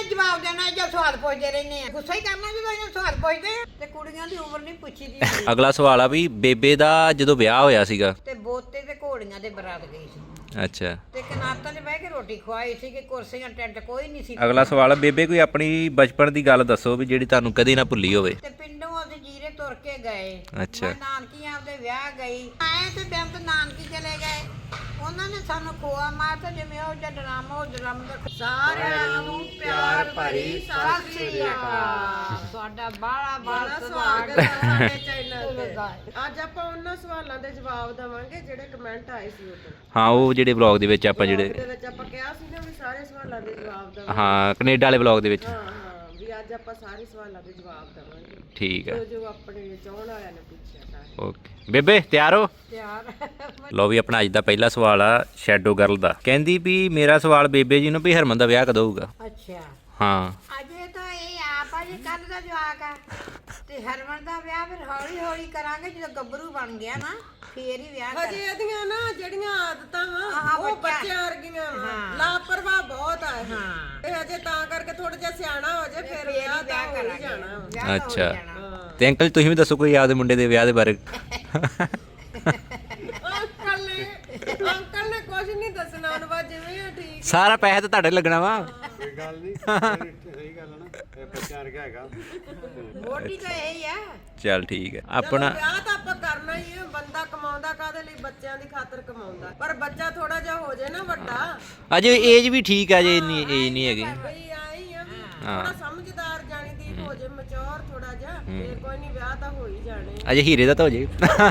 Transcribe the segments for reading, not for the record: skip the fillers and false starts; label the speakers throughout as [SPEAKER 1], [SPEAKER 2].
[SPEAKER 1] ਜਵਾਬ ਦੇਣਾ ਜਾਂ ਸਵਾਲ ਪੁੱਛਦੇ ਰਹਿੰਦੇ ਆ। ਗੁੱਸਾ ਹੀ ਕਰਨਾ ਜਦੋਂ ਇਹਨਾਂ ਸਵਾਲ ਪੁੱਛਦੇ ਆ। ਤੇ ਕੁੜੀਆਂ ਦੀ ਉਮਰ ਨਹੀਂ ਪੁੱਛੀ ਦੀ।
[SPEAKER 2] ਅਗਲਾ ਸਵਾਲ ਆ ਵੀ ਬੇਬੇ ਦਾ ਜਦੋਂ ਵਿਆਹ ਹੋਇਆ ਸੀਗਾ
[SPEAKER 1] ਤੇ ਬੋਤੇ ਤੇ ਘੋੜੀਆਂ ਦੇ ਬਰਾਤ ਗਈ ਸੀ।
[SPEAKER 2] ਅੱਛਾ।
[SPEAKER 1] ਤੇ ਕਨਾਤਾਂ 'ਚ ਬਹਿ ਕੇ ਰੋਟੀ ਖਵਾਈ ਸੀ ਕਿ ਕੁਰਸੀਆਂ ਟੈਂਟ ਕੋਈ ਨਹੀਂ ਸੀ।
[SPEAKER 2] ਅਗਲਾ ਸਵਾਲ ਆ ਬੇਬੇ ਕੋਈ ਆਪਣੀ ਬਚਪਨ ਦੀ ਗੱਲ ਦੱਸੋ ਵੀ ਜਿਹੜੀ ਤੁਹਾਨੂੰ ਕਦੇ ਨਾ ਭੁੱਲੀ ਹੋਵੇ।
[SPEAKER 1] ਤੇ ਪਿੰਡੋਂ ਅਸੀਂ ਜੀਰੇ ਤੁਰ ਕੇ ਗਏ।
[SPEAKER 2] ਅੱਛਾ।
[SPEAKER 1] ਮੈਂ ਨਾਨਕੀ ਆਪਦੇ ਵਿਆਹ ਗਈ ਆਏ ਤੇ ਬੈਂਤ ਨਾਨਕੀ ਚਲੇ ਗਏ। ਉਹਨਾਂ ਨੇ ਸਾਨੂੰ ਖੋਆ ਮਾਰਤਾ ਜਿਵੇਂ ਉਹ ਜਿਹਾ ਡਰਾਮਾ ਉਹ ਡਰਾਮਾ ਦਾ। ਸਾਰਿਆਂ ਨੂੰ ਪਿਆਰ ਭਰੀ ਸਤਿ ਸ੍ਰੀ ਅਕਾਲ। ਤੁਹਾਡਾ ਬਾਲਾ ਸਵਾਗਤ ਹੈ ਸਾਡੇ ਚੈਨਲ ਤੇ।
[SPEAKER 3] ਅੱਜ ਆਪਾਂ ਉਹਨਾਂ ਸਵਾਲਾਂ ਦੇ ਜਵਾਬ ਦੇਵਾਂਗੇ ਜਿਹੜੇ ਕਮੈਂਟ ਆਏ ਸੀ ਉਦੋਂ।
[SPEAKER 2] ਹਾਂ ਉਹ ਜਿਹੜੇ ਵਲੌਗ ਦੇ ਵਿੱਚ ਆਪਾਂ
[SPEAKER 3] ਦੇ ਵਿੱਚ ਆਪਾਂ ਕਿਹਾ ਸੀ ਨਾ ਵੀ ਸਾਰੇ ਸਵਾਲਾਂ ਦੇ ਜਵਾਬ ਦੇਵਾਂਗੇ।
[SPEAKER 2] ਹਾਂ ਕੈਨੇਡਾ ਵਾਲੇ ਵਲੌਗ ਦੇ ਵਿੱਚ।
[SPEAKER 3] ਹਾਂ ਵੀ ਅੱਜ ਆਪਾਂ ਸਾਰੇ ਸਵਾਲਾਂ ਦੇ ਜਵਾਬ ਦੇਵਾਂਗੇ।
[SPEAKER 2] ਠੀਕ ਹੈ।
[SPEAKER 3] ਜੋ ਆਪਣੇ ਚਾਹਣ ਵਾਲਿਆਂ ਨੇ ਪੁੱਛਿਆ ਸਾਰੇ।
[SPEAKER 2] ਓਕੇ ਬੇਬੇ ਤਿਆਰ ਹੋ?
[SPEAKER 1] ਤਿਆਰ।
[SPEAKER 2] ਲਓ ਵੀ ਆਪਣਾ ਅੱਜ ਦਾ ਪਹਿਲਾ ਸਵਾਲ ਆ ਸ਼ੈਡੋ ਗਰਲ ਦਾ। ਕਹਿੰਦੀ ਵੀ ਮੇਰਾ ਸਵਾਲ ਬੇਬੇ ਜੀ ਨੂੰ ਵੀ ਹਰਮਨ ਦਾ ਵਿਆਹ ਕਦੋਂ ਹੋਊਗਾ?
[SPEAKER 1] ਅੱਛਾ।
[SPEAKER 2] ਹਾਂ।
[SPEAKER 1] ਅਜੇ ਤਾਂ ਇਹ ਆਪ ਆ ਜੀ ਕੱਲ ਦਾ ਜਵਾਕ ਆ ਤੇ ਹਰਮਨ ਦਾ ਵਿਆਹ ਫਿਰ ਹੌਲੀ ਹੌਲੀ ਕਰਾਂਗੇ ਜਦੋਂ ਗੱਭਰੂ ਬਣ ਗਿਆ ਨਾ ਫੇਰ ਹੀ ਵਿਆਹ ਕਰ।
[SPEAKER 3] ਹਜੇ ਇਹਦੀਆਂ ਨਾ ਜਿਹੜੀਆਂ ਆਦਤਾਂ ਵਾ
[SPEAKER 1] ਹਾਂ,
[SPEAKER 3] ਉਹ ਬੱਚਿਆਂ ਵਰਗੀਆਂ ਵਾ।
[SPEAKER 1] ਹਾਂ।
[SPEAKER 3] ਲਾਪਰਵਾਹ ਬਹੁਤ ਆ ਇਹ।
[SPEAKER 1] ਹਾਂ।
[SPEAKER 3] ਤੇ ਹਜੇ ਤਾਂ ਕਰਕੇ ਥੋੜਾ ਜਿਹਾ ਸਿਆਣਾ ਹੋ ਜਾਏ ਫਿਰ ਵਿਆਹ ਤਾਂ ਹੋ ਹੀ ਜਾਣਾ ਵਾ।
[SPEAKER 1] ਵਿਆਹ ਤਾਂ ਹੋ
[SPEAKER 2] ਅੱਛਾ।
[SPEAKER 1] ਜਾਣਾ।
[SPEAKER 2] ਤੇ ਅੰਕਲ ਤੁਸੀਂ ਵੀ ਦੱਸੋ ਕੋਈ ਆਪਦੇ ਮੁੰਡੇ ਦੇ ਵਿਆਹ ਦੇ ਬਾਰੇ।
[SPEAKER 3] ਅੰਕਲ ਨੇ ਕੁਝ ਨਹੀਂ ਦੱਸਣਾ ਉਹਨੂੰ ਬਸ ਜਿਵੇਂ ਆ ਠੀਕ।
[SPEAKER 2] ਸਾਰਾ ਪੈਸਾ ਤਾਂ ਤੁਹਾਡੇ ਲੱਗਣਾ ਵਾ।
[SPEAKER 4] ਕੋਈ ਗੱਲ ਨਹੀਂ ਸਹੀ ਗੱਲ ਹੈ ਨਾ ਇਹ ਬੱਚਾ ਵਰਗਾ ਹੈਗਾ।
[SPEAKER 1] ਮੋਟੀ ਤਾਂ ਇਹੀ ਆ।
[SPEAKER 2] ਚੱਲ ਠੀਕ ਹੈ।
[SPEAKER 3] ਚਲੋ
[SPEAKER 2] ਆਪਣਾ
[SPEAKER 3] ਵਿਆਹ ਤਾਂ ਆਪਾਂ ਕਰਨਾ ਹੀ ਹੈ। ਬੰਦਾ ਕਮਾਉਂਦਾ ਕਾਹਦੇ ਲਈ? ਬੱਚਿਆਂ ਦੀ ਖਾਤਰ ਕਮਾਉਂਦਾ। ਪਰ ਬੱਚਾ ਥੋੜਾ ਜਿਹਾ ਹੋ ਜਾਏ ਨਾ ਵੱਡਾ।
[SPEAKER 2] ਅਜੇ ਏਜ ਵੀ ਠੀਕ ਆ ਜੇ ਇੰਨੀ ਏਜ ਨਹੀਂ ਹੈਗੀ।
[SPEAKER 3] ਬਈ ਆਈ ਆ ਵੀ ਥੋੜਾ ਸਮਝਦਾਰ ਜਾਣੀ ਦੀ ਹੋ ਜਾਏ ਮੈਚੁਰ ਥੋੜਾ ਜਿਹਾ ਫੇਰ ਕੋਈ ਨਹੀਂ ਵਿਆਹ ਤਾਂ ਹੋ ਹੀ ਜਾਣੇ।
[SPEAKER 2] ਅਜੇ ਹੀਰੇ ਦਾ ਤਾਂ ਹੋ ਜੇ।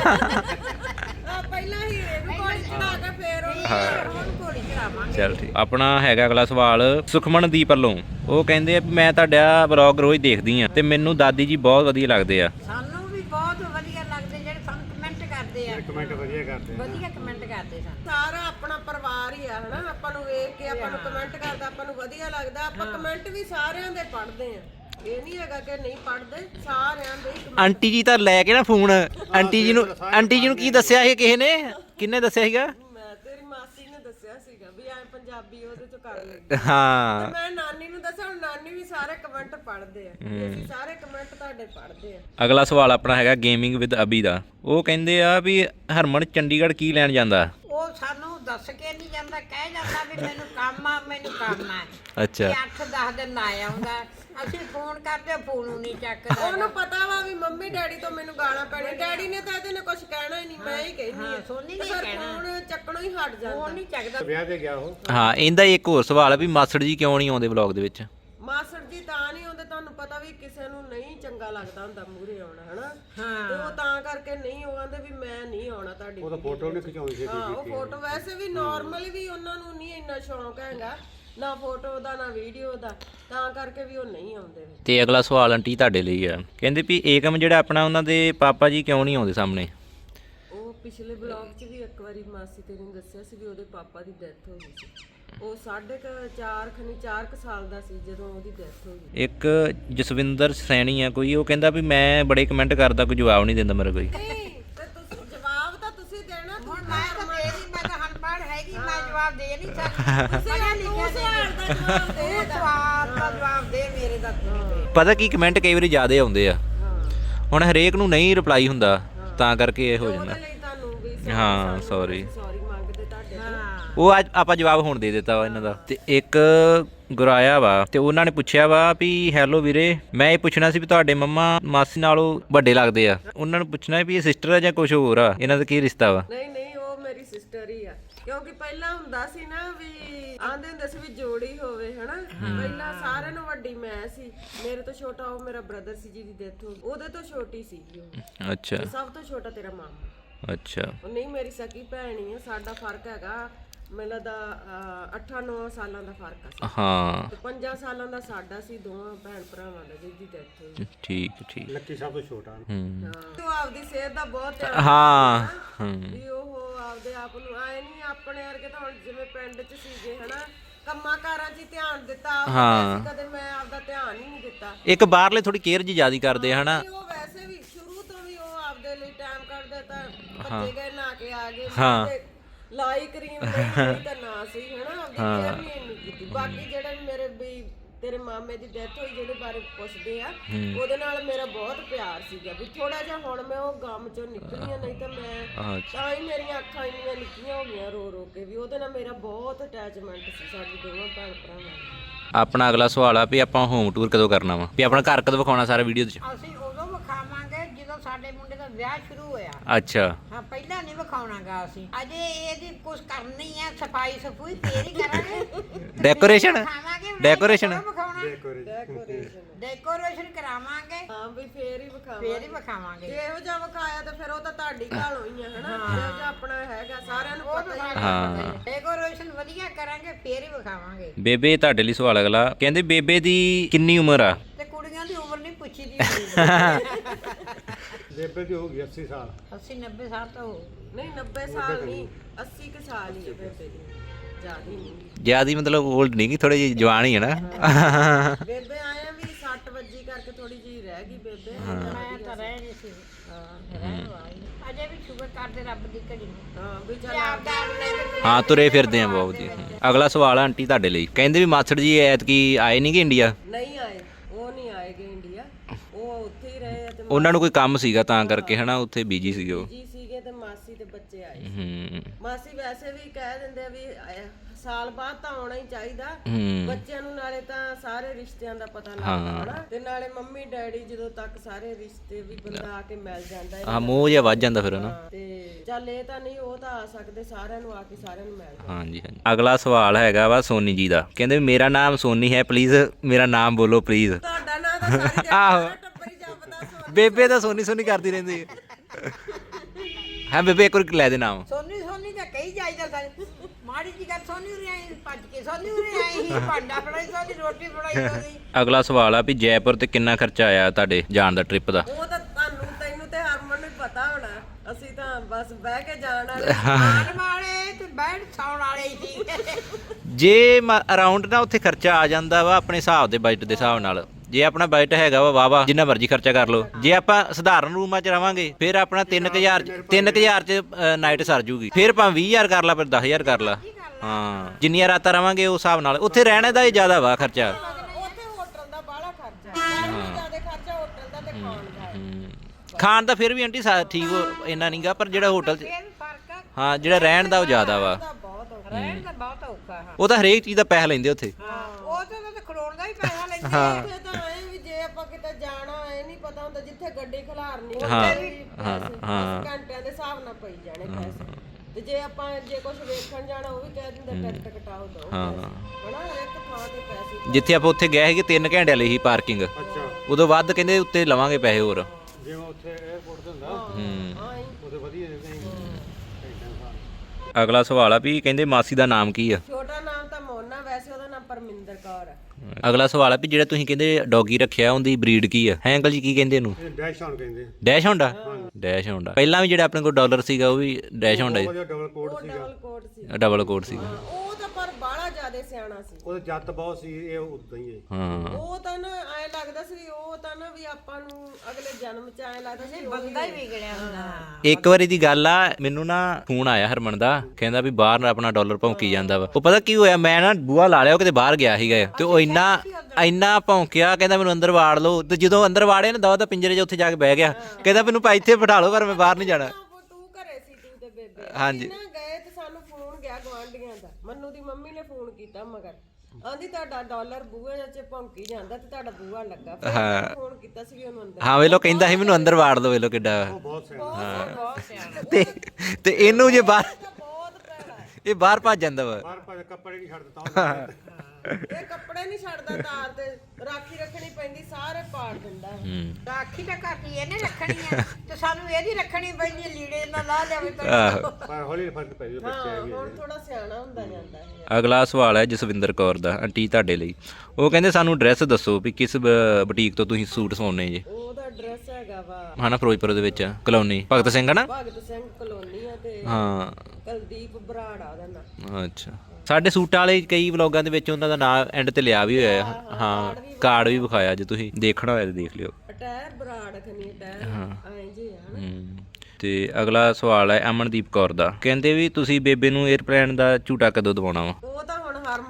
[SPEAKER 3] ਆ ਪਹਿਲਾਂ ਹੀਰੇ ਨੂੰ ਕੋਈ ਚੜਾ ਕੇ ਫੇਰ ਉਹਨੂੰ
[SPEAKER 1] ਘੋੜੀ ਚੜਾਵਾਂਗੇ।
[SPEAKER 2] ਚੱਲ ਠੀਕ। ਆਪਣਾ ਹੈਗਾ ਅਗਲਾ ਸਵਾਲ ਸੁਖਮਨਦੀਪ ਵੱਲੋਂ। ਉਹ ਕਹਿੰਦੇ ਆ ਵੀ ਮੈਂ ਤੁਹਾਡਾ ਵਲੌਗ ਰੋਜ਼ ਦੇਖਦੀ ਆ ਤੇ ਮੈਨੂੰ ਦਾਦੀ ਜੀ ਬਹੁਤ ਵਧੀਆ ਲੱਗਦੇ ਆ।
[SPEAKER 1] ਸਾਨੂੰ ਵੀ ਬਹੁਤ ਵਧੀਆ ਲੱਗਦੇ ਜਿਹੜੇ ਸਾਨੂੰ ਕਮੈਂਟ ਕਰਦੇ ਆ।
[SPEAKER 4] ਕਮੈਂਟ ਵਧੀਆ ਕਰਦੇ ਆ।
[SPEAKER 1] ਵਧੀਆ ਕਮੈਂਟ ਕਰਦੇ ਸਾਨੂੰ।
[SPEAKER 3] ਸਾਰਾ ਆਪਣਾ ਪਰਿਵਾਰ ਹੀ ਆ ਹਨਾ। ਆਪਾਂ ਨੂੰ ਵੇਖ ਕੇ ਆਪਾਂ ਨੂੰ ਕਮੈਂਟ ਕਰਦਾ ਆਪਾਂ ਨੂੰ ਵਧੀਆ ਲੱਗਦਾ। ਆਪਾਂ ਕਮੈਂਟ ਵੀ ਸਾਰਿਆਂ ਦੇ ਪੜ੍ਹਦੇ ਆ। ਇਹ ਨਹੀਂ ਹੈਗਾ ਕਿ ਨਹੀਂ ਪੜ੍ਹਦੇ ਸਾਰਿਆਂ ਦੇ ਹੀ।
[SPEAKER 2] ਆਂਟੀ ਜੀ ਤਾਂ ਲੈ ਕੇ ਨਾ ਫੋਨ ਆਂਟੀ ਜੀ ਨੂੰ ਕੀ ਦੱਸਿਆ ਸੀ ਕਿਸੇ ਨੇ? ਕਿੰਨੇ ਦੱਸਿਆ ਸੀਗਾ?
[SPEAKER 3] ਮੈਂ ਤੇਰੀ ਮਾਸੀ ਨੇ ਦੱਸਿਆ ਸੀਗਾ ਵੀ ਐ ਪੰਜਾਬੀ ਉਹਦੇ ਤੋਂ ਕਰ ਲਈ।
[SPEAKER 2] ਹਾਂ।
[SPEAKER 3] ਮੈਂ ਨਾਨੀ ਨੂੰ ਦੱਸਿਆ ਹੁਣ ਨਾਨੀ ਵੀ ਸਾਰੇ ਕਮੈਂਟ ਪੜ੍ਹਦੇ ਆ। ਅਸੀਂ ਸਾਰੇ ਕਮੈਂਟ ਤੁਹਾਡੇ ਪੜ੍ਹਦੇ ਆ।
[SPEAKER 2] ਅਗਲਾ ਸਵਾਲ ਆਪਣਾ ਹੈਗਾ ਗੇਮਿੰਗ ਵਿਦ ਅਬੀ ਦਾ। ਉਹ ਕਹਿੰਦੇ ਆ ਵੀ ਹਰਮਨ ਚੰਡੀਗੜ੍ਹ ਕੀ ਲੈਣ ਜਾਂਦਾ?
[SPEAKER 1] ਉਹ ਸਾਨੂੰ ਦੱਸ ਕੇ ਨਹੀਂ ਜਾਂਦਾ ਕਹਿ ਜਾਂਦਾ ਵੀ ਮੈਨੂੰ ਕੰਮ ਆ ਮੈਨੂੰ ਕੰਮ ਆ।
[SPEAKER 2] ਅੱਛਾ।
[SPEAKER 1] 8-10 ਦਿਨ ਲਾ ਆਉਂਦਾ। ਅਸੀਂ ਫੋਨ ਕਰਦੇ ਫੋਨ ਨੂੰ ਨਹੀਂ ਚੱਕਦਾ।
[SPEAKER 3] ਉਹਨੂੰ ਪਤਾ ਵਾ ਵੀ ਮੰਮੀ ਡੈਡੀ ਤੋਂ ਮੈਨੂੰ ਗਾਲਾਂ ਪੈਣੀਆਂ। ਡੈਡੀ ਨੇ ਤਾਂ ਇਹਦੇ ਨੇ ਕੁਝ ਕਹਿਣਾ ਹੀ ਨਹੀਂ। ਮੈਂ ਹੀ ਕਹਿੰਦੀ ਆ।
[SPEAKER 1] ਸੋਨੀ
[SPEAKER 3] ਤੇ
[SPEAKER 1] ਨੇ
[SPEAKER 3] ਫਿਰ
[SPEAKER 1] ਕਹਿਣਾ
[SPEAKER 3] ਫੋਨ ਚੱਕਣੋਂ ਹੀ ਹਟ ਜਾਂਦਾ।
[SPEAKER 1] ਫੋਨ ਨਹੀਂ ਚੱਕਦਾ।
[SPEAKER 4] ਵਿਆਹ ਤੇ ਗਿਆ ਉਹ।
[SPEAKER 2] ਹਾਂ ਇਹਦਾ ਇੱਕ ਹੋਰ ਸਵਾਲ ਆ ਵੀ ਮਾਸੜ ਜੀ ਕਿਉਂ ਨਹੀਂ ਆਉਂਦੇ ਵਲੌਗ ਦੇ ਵਿੱਚ?
[SPEAKER 3] ਮਾਸੜ ਜੀ ਤਾਂ ਨਹੀਂ ਆਉਂਦੇ। ਤੁਹਾਨੂੰ ਪਤਾ ਵੀ ਕਿਸੇ ਨੂੰ ਨਹੀਂ ਚੰਗਾ ਲੱਗਦਾ ਹੁੰਦਾ ਮੂਹਰੇ ਆਉਣਾ ਹਨਾ। ਤੇ ਉਹ ਤਾਂ ਕਰਕੇ ਨਹੀਂ ਉਹ ਆਂਦੇ ਵੀ ਮੈਂ ਨਹੀਂ ਆਉਣਾ ਤੁਹਾਡੀ।
[SPEAKER 4] ਉਹ ਤਾਂ ਫੋਟੋ ਨਹੀਂ ਖਿਚਾਉਣੀ ਸੀ।
[SPEAKER 3] ਹਾਂ ਉਹ ਫੋਟੋ ਵੈਸੇ ਵੀ ਨਾਰਮਲੀ ਵੀ ਉਹਨਾਂ ਨੂੰ ਨਹੀਂ ਇੰਨਾ ਸ਼ੌਂਕ ਹੈਗਾ ਨਾ ਫੋਟੋ ਦਾ ਨਾ ਵੀਡੀਓ ਦਾ। ਤਾਂ ਕਰਕੇ ਵੀ ਉਹ ਨਹੀਂ ਆਉਂਦੇ।
[SPEAKER 2] ਤੇ ਅਗਲਾ ਸਵਾਲ ਆਂਟੀ ਤੁਹਾਡੇ ਲਈ ਆ। ਕਹਿੰਦੇ ਵੀ ਏਕਮ ਜਿਹੜਾ ਆਪਣਾ ਉਹਨਾਂ ਦੇ ਪਾਪਾ ਜੀ ਕਿਉਂ ਨਹੀਂ ਆਉਂਦੇ ਸਾਹਮਣੇ?
[SPEAKER 3] ਉਹ ਪਿਛਲੇ ਬਲੌਗ 'ਚ ਵੀ ਇੱਕ ਵਾਰੀ ਮਾਸੀ ਤੇਰੀ ਨੂੰ ਦੱਸਿਆ ਸੀ ਵੀ ਉਹਦੇ ਪਾਪਾ ਦੀ ਡੈਥ ਹੋ ਗਈ ਸੀ। ਉਹ 4.5 ਸਾਲ ਦਾ ਸੀ ਜਦੋਂ ਉਹਦੀ ਡੈਥ ਹੋ ਗਈ।
[SPEAKER 2] ਇੱਕ ਜਸਵਿੰਦਰ ਸੈਣੀ ਆ ਕੋਈ। ਉਹ ਕਹਿੰਦਾ ਵੀ ਮੈਂ ਬੜੇ ਕਮੈਂਟ ਕਰਦਾ ਕੋਈ ਜਵਾਬ ਨਹੀਂ ਦਿੰਦਾ ਮੇਰਾ ਕੋਈ।
[SPEAKER 3] ਨਹੀਂ ਤੇ ਤੁਸੀਂ ਜਵਾਬ ਤਾਂ ਤੁਸੀਂ ਦੇਣਾ।
[SPEAKER 1] ਹੁਣ ਮੈਂ ਤਾਂ ਦੇ ਨਹੀਂ। ਮੈਂ ਤਾਂ ਅਨਪੜ੍ਹ ਹੈਗੀ। ਮੈਂ ਜਵਾਬ ਦੇ ਨਹੀਂ ਸਕਦੀ। ਪੜ੍ਹਿਆ ਲਿਖਿਆ
[SPEAKER 3] ਸਵਾਲ ਦਾ ਜਵਾਬ ਦੇ।
[SPEAKER 1] ਉਹ ਸਵਾਲ ਦਾ ਜਵਾਬ ਦੇ ਮੇਰੇ ਦਾ ਤੂੰ।
[SPEAKER 2] ਪਤਾ ਕੀ ਕਮੈਂਟ ਕਈ ਵਾਰੀ ਜ਼ਿਆਦੇ ਆਉਂਦੇ ਆ। ਹੁਣ ਹਰੇਕ ਨੂੰ ਨਹੀਂ ਰਿਪਲਾਈ ਹੁੰਦਾ ਤਾਂ ਕਰਕੇ ਇਹ ਹੋ ਜਾਂਦਾ।
[SPEAKER 3] ਉਹਦੇ ਲਈ ਤੁਹਾਨੂੰ ਵੀ
[SPEAKER 2] ਹਾਂ ਸੌਰੀ।
[SPEAKER 3] ਸੌਰੀ ਮੰਗਦੇ ਤੁਹਾਡੇ ਤੋਂ।
[SPEAKER 2] ਉਹ ਅੱਜ ਆਪਾਂ ਜਵਾਬ ਹੁਣ ਦੇ ਦਿੱਤਾ ਵਾ ਇਹਨਾਂ ਦਾ। ਤੇ ਇੱਕ ਗੁਰਾਇਆ ਵਾ ਤੇ ਉਹਨਾਂ ਨੇ ਪੁੱਛਿਆ ਵਾ ਵੀ ਹੈਲੋ ਵੀਰੇ ਮੈਂ ਇਹ ਪੁੱਛਣਾ ਸੀ ਵੀ ਤੁਹਾਡੇ ਮੰਮਾ ਮਾਸੀ ਨਾਲੋਂ ਵੱਡੇ ਲੱਗਦੇ ਆ। ਉਹਨਾਂ ਨੂੰ ਪੁੱਛਣਾ ਵੀ ਇਹ ਸਿਸਟਰ ਆ ਜਾਂ ਕੁਝ ਹੋਰ ਆ? ਇਹਨਾਂ ਦਾ ਕੀ ਰਿਸ਼ਤਾ ਵਾ?
[SPEAKER 3] ਨਹੀਂ ਉਹ ਮੇਰੀ ਸਿਸਟਰ ਹੀ ਆ। ਕਿਉਂਕਿ ਪਹਿਲਾਂ ਹੁੰਦਾ ਸੀ ਨਾ ਵੀ ਆਂਦੇ ਹੁੰਦੇ ਸੀ ਵੀ ਜੋੜੀ ਹੋਵੇ ਹਨਾ। ਪਹਿਲਾਂ ਸਾਰਿਆਂ ਨੂੰ ਵੱਡੀ ਮੈਂ ਸੀ। ਮੇਰੇ ਤੋਂ ਛੋਟਾ ਉਹ ਮੇਰਾ ਬ੍ਰਦਰ ਸੀ ਜਿਹਦੀ ਡੈਥ ਹੋ ਗਈ। ਉਹਦੇ ਤੋਂ ਛੋਟੀ ਸੀਗੀ ਉਹ।
[SPEAKER 2] ਅੱਛਾ
[SPEAKER 3] ਤੇ ਸਭ ਤੋਂ ਛੋਟਾ ਤੇਰਾ ਮਾਮਾ।
[SPEAKER 2] ਅੱਛਾ।
[SPEAKER 3] ਉਹ ਨਹੀਂ ਮੇਰੀ ਸਕੀ ਭੈਣ ਹੀ ਆ। ਸਾਡਾ ਫਰਕ ਹੈਗਾ ਮੈਨੂੰ ਲੱਗਦਾ 8-9 ਸਾਲਾਂ ਦਾ ਫਰਕ ਆ ਸੀ।
[SPEAKER 2] ਹਾਂ
[SPEAKER 3] ਤੇ 5 ਸਾਲਾਂ ਦਾ ਸਾਡਾ ਸੀ ਦੋਵਾਂ ਭੈਣ ਭਰਾਵਾਂ ਦਾ ਜਿਹਦੀ ਡੈਥ ਹੋਈ।
[SPEAKER 2] ਠੀਕ।
[SPEAKER 4] ਲੱਕੀ ਸਭ ਤੋਂ ਛੋਟਾ।
[SPEAKER 3] ਤੂੰ ਆਪਦੀ ਸਿਹਤ ਦਾ ਬਹੁਤ ਧਿਆਨ
[SPEAKER 2] ਹਾਂ
[SPEAKER 3] ਵੀ ਉਹ ਆਪਦੇ ਆਪ ਨੂੰ ਆਏ ਨਹੀਂ ਆਪਣੇ ਵਰਗੇ ਤਾਂ ਹੁਣ ਜਿਵੇਂ ਪਿੰਡ 'ਚ ਸੀਗੇ ਹਨਾ ਕੰਮਾਂ ਕਾਰਾਂ 'ਚ ਹੀ ਧਿਆਨ ਦਿੱਤਾ। ਅਸੀਂ ਕਦੇ ਮੈਂ ਆਪਦਾ ਧਿਆਨ ਹੀ ਨਹੀਂ ਦਿੱਤਾ।
[SPEAKER 2] ਇੱਕ ਬਾਹਰਲੇ ਥੋੜੀ ਕੇਅਰ ਜੀ ਜ਼ਿਆਦਾ ਕਰਦੇ ਹਨਾ।
[SPEAKER 3] ਉਹ ਵੈਸੇ ਵੀ ਸ਼ੁਰੂ ਤੋਂ ਵੀ ਉਹ ਆਪਦੇ ਲਈ ਟਾਈਮ ਕੱਢਦੇ ਤਾਂ ਬੱਚੇ ਗਏ ਨਹਾ ਕੇ ਆ ਗਏ।
[SPEAKER 2] ਹਾਂ।
[SPEAKER 3] ਲਾਈ ਕਰੀਮ ਨਹੀਂ ਤਾਂ ਨਾ ਸੀ ਹਨਾ। ਆਪਦੀ ਕੇਅਰ ਨਹੀਂ ਇੰਨੀ ਕੀਤੀ। ਬਾਕੀ ਜਿਹੜੇ ਮੇਰੇ ਵੀ ਤੇਰੇ ਮਾਮੇ ਦੀ ਡੈਥ ਹੋਈ ਜਿਹਦੇ ਬਾਰੇ ਪੁੱਛਦੇ ਆ, ਉਹਦੇ ਨਾਲ ਮੇਰਾ ਬਹੁਤ ਪਿਆਰ ਸੀਗਾ ਵੀ ਥੋੜਾ ਜਿਹਾ ਹੁਣ ਮੈਂ ਉਹ ਗਮ ਚੋਂ ਨਿਕਲੀ ਆ, ਨਹੀਂ ਤਾਂ ਮੈਂ ਤਾਂ ਹੀ ਮੇਰੀਆਂ ਅੱਖਾਂ ਇੰਨੀਆਂ ਨਿੱਕੀਆਂ ਹੋ ਗਈਆਂ ਰੋ ਰੋ ਕੇ ਵੀ ਉਹਦੇ ਨਾਲ ਮੇਰਾ ਬਹੁਤ ਅਟੈਚਮੈਂਟ ਸੀ ਸਾਡੇ ਦੋਵਾਂ ਭੈਣ ਭਰਾਵਾਂ ਦਾ।
[SPEAKER 2] ਆਪਣਾ ਅਗਲਾ ਸਵਾਲ ਆ ਵੀ ਆਪਾਂ ਹੋਮ ਟੂਰ ਕਦੋਂ ਕਰਨਾ ਵਾ, ਵੀ ਆਪਣਾ ਘਰ ਕਦੋਂ ਵਿਖਾਉਣਾ ਸਾਰਾ ਵੀਡੀਓ 'ਚ?
[SPEAKER 1] ਅਸੀਂ ਉਦੋਂ ਵਿਖਾਵਾਂਗੇ ਜਦੋਂ ਸਾਡੇ ਮੁੰਡੇ ਦਾ ਵਿਆਹ ਸ਼ੁਰੂ ਹੋਇਆ।
[SPEAKER 2] ਅੱਛਾ,
[SPEAKER 1] ਹਾਂ, ਪਹਿਲਾਂ ਨਹੀਂ ਵਿਖਾਉਣਾਗਾ ਅਸੀਂ, ਅਜੇ ਇਹਦੀ ਕੁਝ ਕਰਨੀ ਆ, ਸਫਾਈ ਸਫੂਈ ਫੇਰ ਹੀ ਕਰਾਂਗੇ।
[SPEAKER 2] ਡੈਕੋਰੇਸ਼ਨ
[SPEAKER 1] ਵਿਖਾਵਾਂਗੇ,
[SPEAKER 2] ਡੈਕੋਰੇਸ਼ਨ
[SPEAKER 1] ਡੈਕੋਰੇਸ਼ਨ ਕਰਾਵਾਂਗੇ,
[SPEAKER 3] ਹਾਂ ਵੀ ਫੇਰ ਹੀ
[SPEAKER 1] ਫੇਰ ਹੀ ਵਿਖਾਵਾਂਗੇ।
[SPEAKER 3] ਜੇ ਇਹੋ ਜਿਹਾ ਵਿਖਾਇਆ ਤਾਂ ਫਿਰ ਉਹ ਤਾਂ ਤੁਹਾਡੀ ਘਾਲ ਹੋਈ ਆ ਹਨਾ, ਜਿਹੋ ਜਿਹਾ ਆਪਣਾ ਹੈਗਾ ਸਾਰਿਆਂ ਨੂੰ ਪਤਾ ਹੀ ਆ।
[SPEAKER 2] ਹਾਂ,
[SPEAKER 1] ਡੈਕੋਰੇਸ਼ਨ ਵਧੀਆ ਕਰਾਂਗੇ ਫੇਰ ਹੀ ਵਿਖਾਵਾਂਗੇ।
[SPEAKER 2] ਬੇਬੇ ਤੁਹਾਡੇ ਲਈ ਸਵਾਲ ਅਗਲਾ, ਕਹਿੰਦੇ ਬੇਬੇ ਦੀ ਕਿੰਨੀ ਉਮਰ ਆ?
[SPEAKER 1] ਤੇ ਕੁੜੀਆਂ ਦੀ ਉਮਰ ਨਹੀਂ ਪੁੱਛੀ ਦੀ
[SPEAKER 4] ਬੇਬੇ ਦੀ ਹੋ ਗਈ 80 ਸਾਲ।
[SPEAKER 1] 80 90 ਸਾਲ ਤਾਂ ਹੋ।
[SPEAKER 3] ਨਹੀਂ 90 ਸਾਲ ਨਹੀਂ, 80 ਕੁ ਸਾਲ ਹੀ ਆ ਬੇਬੇ ਦੀ, ਜ਼ਿਆਦਾ ਨਹੀਂ।
[SPEAKER 2] ਜਿਆਦੀ ਮਤਲਬ ਓਲਡ ਨਹੀਂ, ਥੋੜੀ ਜਿਹੀ ਜਵਾਨ ਹੀ ਹੈ ਨਾ।
[SPEAKER 3] ਬੇਬੇ ਆਇਆ ਵੀ 60 ਵੱਜੀ ਕਰਕੇ ਥੋੜੀ ਜਿਹੀ ਰਹਿ ਗਈ ਬੇਬੇ।
[SPEAKER 1] ਮੈਂ ਤਾਂ ਰਹਿ ਨਹੀਂ ਸੀ, ਰਹਿਣ ਵਾਲੀ ਅਜੇ ਵੀ ਸ਼ੁਕਰ ਕਰਦੇ ਰੱਬ ਦੀ ਘੜੀ ਨੂੰ।
[SPEAKER 3] ਹਾਂ ਵੀ ਚੱਲ
[SPEAKER 1] ਆਪਦਾ ਲੈ ਕੇ
[SPEAKER 2] ਹਾਂ, ਤੁਰੇ ਫਿਰਦੇ ਆ ਬਹੁਤ ਜੀ। ਅਗਲਾ ਸਵਾਲ ਆ ਆਂਟੀ ਤੁਹਾਡੇ ਲਈ, ਕਹਿੰਦੇ ਵੀ ਮਾਸੜ ਜੀ ਐਤਕੀ ਆਏ ਨਹੀਂ ਗੇ ਇੰਡੀਆ?
[SPEAKER 3] ਨਹੀਂ ਆਏ, ਉਹ ਨਹੀਂ ਆਏਗੇ ਇੰਡੀਆ, ਉਹ ਉੱਥੇ ਹੀ ਰਹੇ ਆ ਤੇ
[SPEAKER 2] ਉਹਨਾਂ ਨੂੰ ਕੋਈ ਕੰਮ ਸੀਗਾ ਤਾਂ ਕਰਕੇ ਹਨਾ, ਉੱਥੇ ਬਿਜੀ ਸੀਗੇ ਉਹ।
[SPEAKER 3] ਜੀ ਸੀਗੇ ਤੇ ਮਾਸੀ ਤੇ ਬੱਚੇ ਆਏ।
[SPEAKER 2] ਹੂੰ
[SPEAKER 3] ਮਾਸੀ ਵੈਸੇ ਵੀ ਕਹਿ ਦਿੰਦੇ ਆ ਵੀ ਸਾਲ ਬਾਅਦ ਤਾਂ ਆਉਣਾ ਹੀ ਚਾਹੀਦਾ, ਬੱਚਿਆਂ ਨੂੰ ਨਾਲੇ ਤਾਂ ਸਾਰੇ ਰਿਸ਼ਤਿਆਂ ਦਾ ਪਤਾ ਲੱਗਦਾ ਹਨਾ, ਤੇ ਨਾਲੇ ਮੰਮੀ ਡੈਡੀ ਜਦੋਂ ਤੱਕ ਸਾਰੇ ਰਿਸ਼ਤੇ ਵੀ ਬੰਦਾ ਆ ਕੇ ਮਿਲ ਜਾਂਦਾ ਹੈ।
[SPEAKER 2] ਹਾਂ, ਮੋਹ ਜਿਹਾ ਵੱਜ ਜਾਂਦਾ ਫਿਰ ਹਨਾ।
[SPEAKER 3] ਤੇ ਚੱਲ ਇਹ ਤਾਂ ਨਹੀਂ, ਉਹ ਤਾਂ ਆ ਸਕਦੇ, ਸਾਰਿਆਂ ਨੂੰ ਆ ਕੇ ਸਾਰਿਆਂ ਨੂੰ ਮਿਲ ਜਾਂਦਾ।
[SPEAKER 2] ਹਾਂਜੀ ਹਾਂਜੀ। ਅਗਲਾ ਸਵਾਲ ਹੈਗਾ ਵਾ ਸੋਨੀ ਜੀ ਦਾ, ਕਹਿੰਦੇ ਮੇਰਾ ਨਾਮ ਸੋਨੀ ਹੈ, ਪਲੀਜ਼ ਮੇਰਾ ਨਾਮ ਬੋਲੋ ਪਲੀਜ਼।
[SPEAKER 3] ਤੁਹਾਡਾ ਨਾਂ ਤਾਂ ਸਾਰੀ
[SPEAKER 2] ਆਹੋ,
[SPEAKER 3] ਟੱਬਰ ਹੀ ਜਪਦਾ ਸੋ।
[SPEAKER 2] ਬੇਬੇ ਤਾਂ ਸੋਨੀ ਸੋਨੀ ਕਰਦੀ ਰਹਿੰਦੀ ਹੈ। ਹਾਂ ਬੇਬੇ, ਇੱਕ ਵਾਰ ਲੈ ਦੇ ਨਾਮ।
[SPEAKER 1] ਸੋਨੀ ਸੋਨੀ ਤਾਂ ਕਹੀ ਜਾਈਦਾ ਸਾਰੇ, ਮਾੜੀ ਜੀ ਗੱਲ ਸੋਨੀ ਉਰੇ ਆਈ, ਭੱਜ ਕੇ ਸੋਨੀ ਉਰੇ ਆਈ ਸੀ, ਭਾਂਡਾ ਫੜਾਈ ਸੋਨੀ, ਰੋਟੀ ਫੜਾਈ ਸੋਨੀ।
[SPEAKER 2] ਅਗਲਾ ਸਵਾਲ ਆ ਵੀ ਜੈਪੁਰ ਤੇ ਕਿੰਨਾ ਖਰਚਾ ਆਇਆ ਤੁਹਾਡੇ ਜਾਣ ਦਾ ਟ੍ਰਿਪ ਦਾ?
[SPEAKER 3] ਉਹ ਤਾਂ ਤੈਨੂੰ ਤੇ ਹਰਮਨ ਨੂੰ ਪਤਾ ਹੋਣਾ, ਅਸੀਂ ਤਾਂ ਬਸ ਬਹਿ ਕੇ ਜਾਣ ਵਾਲੇ।
[SPEAKER 1] ਖਾਣ ਵਾਲੇ ਤੇ ਬੈਠ ਸੌਣ ਵਾਲੇ ਹੀ ਸੀ।
[SPEAKER 2] ਜੇ ਅਰਾਊਂਡ ਨਾ ਉੱਥੇ ਖਰਚਾ ਆ ਜਾਂਦਾ ਵਾ ਆਪਣੇ ਹਿਸਾਬ ਦੇ ਬਜਟ ਦੇ ਹਿਸਾਬ ਨਾਲ। ਜੇ ਆਪਣਾ ਬਜਟ ਹੈਗਾ ਵਾ ਵਾਵਾ, ਜਿੰਨਾ ਮਰਜ਼ੀ ਖਰਚਾ ਕਰ ਲਓ। ਜੇ ਆਪਾਂ ਸਧਾਰਨ ਰੂਮਾਂ 'ਚ ਰਵਾਂਗੇ ਫਿਰ ਆਪਣਾ 3000 'ਚ ਨਾਈਟ ਸਰ ਜੂਗੀ। ਫਿਰ ਭਾਵੇਂ 20000 ਕਰ ਲਾ, ਫਿਰ 10000 ਕਰ ਲਾ। ਹਾਂ, ਜਿੰਨੀਆਂ ਰਾਤਾਂ ਰਵਾਂਗੇ ਉਸ ਹਿਸਾਬ ਨਾਲ। ਉੱਥੇ ਰਹਿਣੇ ਦਾ ਹੀ ਜ਼ਿਆਦਾ ਵਾ ਖਰਚਾ।
[SPEAKER 3] ਉੱਥੇ ਹੋਟਲ ਦਾ ਬਾਹਲਾ ਖਰਚਾ, ਜ਼ਿਆਦਾ ਖਰਚਾ ਹੋਟਲ ਦਾ ਤੇ ਖਾਣ ਦਾ।
[SPEAKER 2] ਖਾਣ ਦਾ ਫਿਰ ਵੀ ਆਂਟੀ ਠੀਕ ਇੰਨਾ ਨਹੀਂਗਾ, ਪਰ ਜਿਹੜਾ ਹੋਟਲ 'ਚ
[SPEAKER 1] ਇਹ ਵੀ ਫਰਕ ਆ,
[SPEAKER 2] ਹਾਂ ਜਿਹੜਾ ਰਹਿਣ ਦਾ ਉਹ ਜ਼ਿਆਦਾ ਵਾ।
[SPEAKER 3] ਬਹੁਤ ਔਖਾ।
[SPEAKER 1] ਰਹਿਣ ਦਾ ਬਹੁਤ ਔਖਾ ਹੈ।
[SPEAKER 2] ਉਹ ਤਾਂ ਹਰੇਕ ਚੀਜ਼ ਦਾ ਪੈਸਾ ਲੈਂਦੇ ਉੱਥੇ।
[SPEAKER 1] ਉਹ ਤਾਂ ਖਲੋਣ ਦਾ ਹੀ ਪੈਸਾ ਲੈਂਦੇ ਆ।
[SPEAKER 3] ਇੱਥੇ ਤਾਂ ਐ ਵੀ ਜੇ ਆਪਾਂ ਕਿਤੇ ਜਾਣਾ ਐ ਨਹੀਂ ਪਤਾ ਹੁੰਦਾ, ਜਿੱਥੇ ਗੱਡੀ ਖਿਲਾਰਨੀ
[SPEAKER 2] ਹਾਂ,
[SPEAKER 3] ਉੱਥੇ ਵੀ ਘੰਟਿਆਂ ਦੇ ਹਿਸਾਬ ਨਾਲ ਪਈ ਜਾਣੇ ਪੈਸੇ। ਤੇ ਜੇ ਆਪਾਂ ਜੇ ਕੁਝ ਵੇਖਣ ਜਾਣਾ ਉਹ ਵੀ ਕਹਿ ਦਿੰਦੇ ਟਿਕਟ ਕਟਾਓ ਦੋ ਹਨਾ, ਇੱਕ ਥਾਂ ਤੇ ਪੈਸੇ।
[SPEAKER 2] ਜਿੱਥੇ ਆਪਾਂ ਉੱਥੇ ਗਏ ਸੀਗੇ 3 ਘੰਟੇ ਲਈ ਸੀ ਪਾਰਕਿੰਗ,
[SPEAKER 4] ਅੱਛਾ,
[SPEAKER 2] ਉਦੋਂ ਵੱਧ ਕਹਿੰਦੇ ਉੱਤੇ ਲਵਾਂਗੇ ਪੈਸੇ ਹੋਰ।
[SPEAKER 4] ਜਿਵੇਂ ਉੱਥੇ 에어ਪੋਰਟ ਤੇ ਹੁੰਦਾ
[SPEAKER 3] ਹਾਂ ਹੀ।
[SPEAKER 4] ਉਹਦੇ ਵਧੀਆ ਦਿੰਦੇ ਸੀ।
[SPEAKER 2] ਅਗਲਾ ਸਵਾਲ ਆ ਵੀ ਕਹਿੰਦੇ ਮਾਸੀ ਦਾ ਨਾਮ ਕੀ ਆ?
[SPEAKER 3] ਛੋਟਾ ਨਾਮ ਤਾਂ ਮੋਨਾ, ਵੈਸੇ ਉਹਦਾ ਨਾਮ ਪਰਮਿੰਦਰ ਕੌਰ ਹੈ।
[SPEAKER 2] ਅਗਲਾ ਸਵਾਲ ਆ ਵੀ ਜਿਹੜਾ ਤੁਸੀਂ ਕਹਿੰਦੇ ਡੌਗੀ ਰੱਖਿਆ ਉਹਦੀ ਬਰੀਡ ਕੀ ਆ? ਹੈ ਅੰਕਲ ਜੀ ਕੀ ਕਹਿੰਦੇ ਇਹਨੂੰ?
[SPEAKER 4] ਇਹ ਡੈਸ਼ ਆਨ ਕਹਿੰਦੇ ਆ।
[SPEAKER 2] Dash Honda? Dash Honda. ਪਹਿਲਾਂ ਵੀ ਜਿਹੜਾ ਆਪਣੇ ਕੋਲ ਡਾਲਰ ਸੀਗਾ ਉਹ ਵੀ ਡੈਸ਼ ਹੋਂਡਾ
[SPEAKER 4] ਉਹ ਜਿਹੜਾ ਡਬਲ ਕੋਡ ਸੀਗਾ,
[SPEAKER 3] ਡਬਲ ਕੋਟ ਸੀ।
[SPEAKER 2] ਡਬਲ ਕੋਡ ਸੀਗਾ।
[SPEAKER 3] ਉਹ ਤਾਂ ਪਰ ਬਾਹਲਾ ਜ਼ਿਆਦਾ ਸਿਆਣਾ ਸੀ।
[SPEAKER 4] ਉਹਦੇ ਜੱਤ ਬਹੁਤ ਸੀ, ਇਹ ਉਦਾਂ ਹੀ ਹੈ।
[SPEAKER 2] ਹਾਂ,
[SPEAKER 3] ਉਹ ਤਾਂ ਨਾ ਐ ਲੱਗਦਾ ਸੀ, ਉਹ ਤਾਂ ਨਾ ਵੀ ਆਪਾਂ ਨੂੰ ਅਗਲੇ ਜਨਮ ਚ ਐ ਲੱਗਦਾ ਸੀ
[SPEAKER 1] ਬੰਦਾ ਹੀ ਵਿਗੜਿਆ ਹੁੰਦਾ।
[SPEAKER 2] ਇੱਕ ਵਾਰੀ ਦੀ ਗੱਲ ਆ, ਮੈਨੂੰ ਨਾ ਫੋਨ ਆਇਆ ਹਰਮਨ ਦਾ, ਕਹਿੰਦਾ ਵੀ ਬਾਹਰ ਆਪਣਾ ਡਾਲਰ ਭੌਂਕੀ ਜਾਂਦਾ ਵਾ। ਉਹ ਪਤਾ ਕੀ ਹੋਇਆ, ਮੈਂ ਨਾ ਬੂਹਾ ਲਾ ਲਿਆ, ਉਹ ਕਿਤੇ ਬਾਹਰ ਗਿਆ ਸੀਗਾ ਤੇ ਉਹ ਇੰਨਾ ਭੌਂਕਿਆ, ਕਹਿੰਦਾ ਮੈਨੂੰ ਅੰਦਰ ਵਾੜ ਲਓ। ਤੇ ਜਦੋਂ ਅੰਦਰ ਵਾੜਿਆ ਨਾ ਦਾ ਪਿੰਜਰੇ 'ਚ ਉੱਥੇ ਜਾ ਕੇ ਬਹਿ ਗਿਆ, ਕਹਿੰਦਾ ਮੈਨੂੰ ਭਾਈ ਇੱਥੇ ਬਿਠਾ ਲਓ ਪਰ ਮੈਂ ਬਾਹਰ ਨਹੀਂ ਜਾਣਾ।
[SPEAKER 3] ਤੂੰ ਘਰੇ ਸੀ, ਤੂੰ ਤੇ ਬੇਬੇ
[SPEAKER 2] ਹਾਂਜੀ।
[SPEAKER 3] ਨਾ ਗਏ ਤੇ ਸਾਨੂੰ ਫੋਨ ਗਿਆ ਗਵਾਂਢੀਆਂ ਦਾ, ਮੰਨੂ ਦੀ ਮੰਮੀ ਨੇ ਫੋਨ ਕੀਤਾ ਮਗਰ, ਆਂਦੀ ਤੁਹਾਡਾ ਡਾਲਰ ਬੂਹੇ 'ਚ ਭੌਂਕੀ ਜਾਂਦਾ ਤੇ ਤੁਹਾਡਾ ਬੂਹਾ ਲੱਗਾ। ਫਿਰ ਫੋਨ ਕੀਤਾ ਸੀ ਵੀ ਉਹਨੂੰ ਅੰਦਰ।
[SPEAKER 2] ਹਾਂ, ਵੇਲੋ ਕਹਿੰਦਾ ਸੀ ਮੈਨੂੰ ਅੰਦਰ ਵਾੜ ਲਓ, ਵੇਲੋ ਕਿੱਡਾ।
[SPEAKER 4] ਬਹੁਤ ਸਿਆਣਾ।
[SPEAKER 1] ਬਹੁਤ ਸਿਆਣਾ।
[SPEAKER 2] ਤੇ ਇਹਨੂੰ ਜੇ ਬਾਹਰ,
[SPEAKER 3] ਬਹੁਤ ਭੈੜਾ ਹੈ।
[SPEAKER 2] ਇਹ ਬਾਹਰ ਭੱਜ ਜਾਂਦਾ ਵਾ।
[SPEAKER 4] ਬਾਹਰ ਭਾਵੇਂ ਕੱਪੜੇ ਨਹੀਂ ਛੱਡ ਦਿੱਤਾ
[SPEAKER 3] ਇਹ ਕੱਪੜੇ ਨਹੀਂ ਛੱਡਦਾ, ਤਾਰ ਤੇ ਰਾਖੀ ਰੱਖਣੀ ਪੈਂਦੀ, ਸਾਰੇ ਪਾੜ ਦਿੰਦਾ।
[SPEAKER 1] ਰਾਖੀ ਤਾਂ ਘਰ ਦੀ ਇਹਨੇ ਰੱਖਣੀ ਆ ਤੇ ਸਾਨੂੰ ਇਹਦੀ ਰੱਖਣੀ ਪੈਂਦੀ, ਲੀੜੇ ਨਾ ਲਾ ਲਿਆਵੇ ਤਾਂ।
[SPEAKER 4] ਪਰ ਹੌਲੀ ਫਰਕ ਪੈ ਜਾਂਦਾ ਬੱਚੇ ਵੀ।
[SPEAKER 3] ਹੁਣ ਥੋੜਾ ਸਿਆਣਾ ਹੁੰਦਾ ਜਾਂਦਾ ਹੈ।
[SPEAKER 2] ਅਗਲਾ ਸਵਾਲ ਹੈ ਜਸਵਿੰਦਰ ਕੌਰ ਦਾ, ਆਂਟੀ ਤੁਹਾਡੇ ਲਈ। ਉਹ ਕਹਿੰਦੇ ਸਾਨੂੰ ਐਡਰੈਸ ਦੱਸੋ ਵੀ ਕਿਸ ਬੁਟੀਕ ਤੋਂ ਤੁਸੀਂ ਸੂਟ ਸਵਾਉਂਦੇ ਜੇ?
[SPEAKER 3] ਉਹਦਾ ਐਡਰੈਸ ਹੈਗਾ ਵਾ
[SPEAKER 2] ਹਨਾ ਫਿਰੋਜ਼ਪੁਰ ਦੇ ਵਿੱਚ ਕਲੋਨੀ ਭਗਤ ਸਿੰਘ ਹਨਾ।
[SPEAKER 3] ਭਗਤ ਸਿੰਘ ਕਲੋਨੀ ਆ ਤੇ
[SPEAKER 2] ਹਾਂ,
[SPEAKER 3] ਕੁਲਦੀਪ ਬਰਾੜ ਆ ਉਹਦਾ ਨਾਂ।
[SPEAKER 2] ਅੱਛਾ। ਸਾਡੇ ਸੂਟਾਂ ਵਾਲੇ ਕਈ ਵਲੋਗਾਂ ਦੇ ਵਿੱਚ ਉਹਨਾਂ ਦਾ ਨਾਮ ਐਂਡ ਤੇ ਲਿਆ ਵੀ ਹੋਇਆ ਹੈ। ਹਾਂ, ਕਾਰਡ ਵੀ ਵਿਖਾਇਆ, ਜੇ ਤੁਸੀਂ ਦੇਖਣਾ ਹੋਇਆ ਤਾਂ ਦੇਖ ਲਿਓ।
[SPEAKER 3] ਅਟੈਰ ਬਰਾੜ ਖਨੀ ਅਟੈਰ ਐਂ ਜੇ ਆ ਹਨਾ।
[SPEAKER 2] ਤੇ ਅਗਲਾ ਸਵਾਲ ਹੈ ਅਮਨਦੀਪ ਕੌਰ ਦਾ, ਕਹਿੰਦੇ ਵੀ ਤੁਸੀਂ ਬੇਬੇ ਨੂੰ 에ਅਰਪਲੇਨ ਦਾ ਝੂਟਾ ਕਦੋਂ ਦਵਾਉਣਾ ਵਾ?
[SPEAKER 3] ਉਹ ਤਾਂ ਹੁਣ ਹਰਮਨ ਨੂੰ ਪਤਾ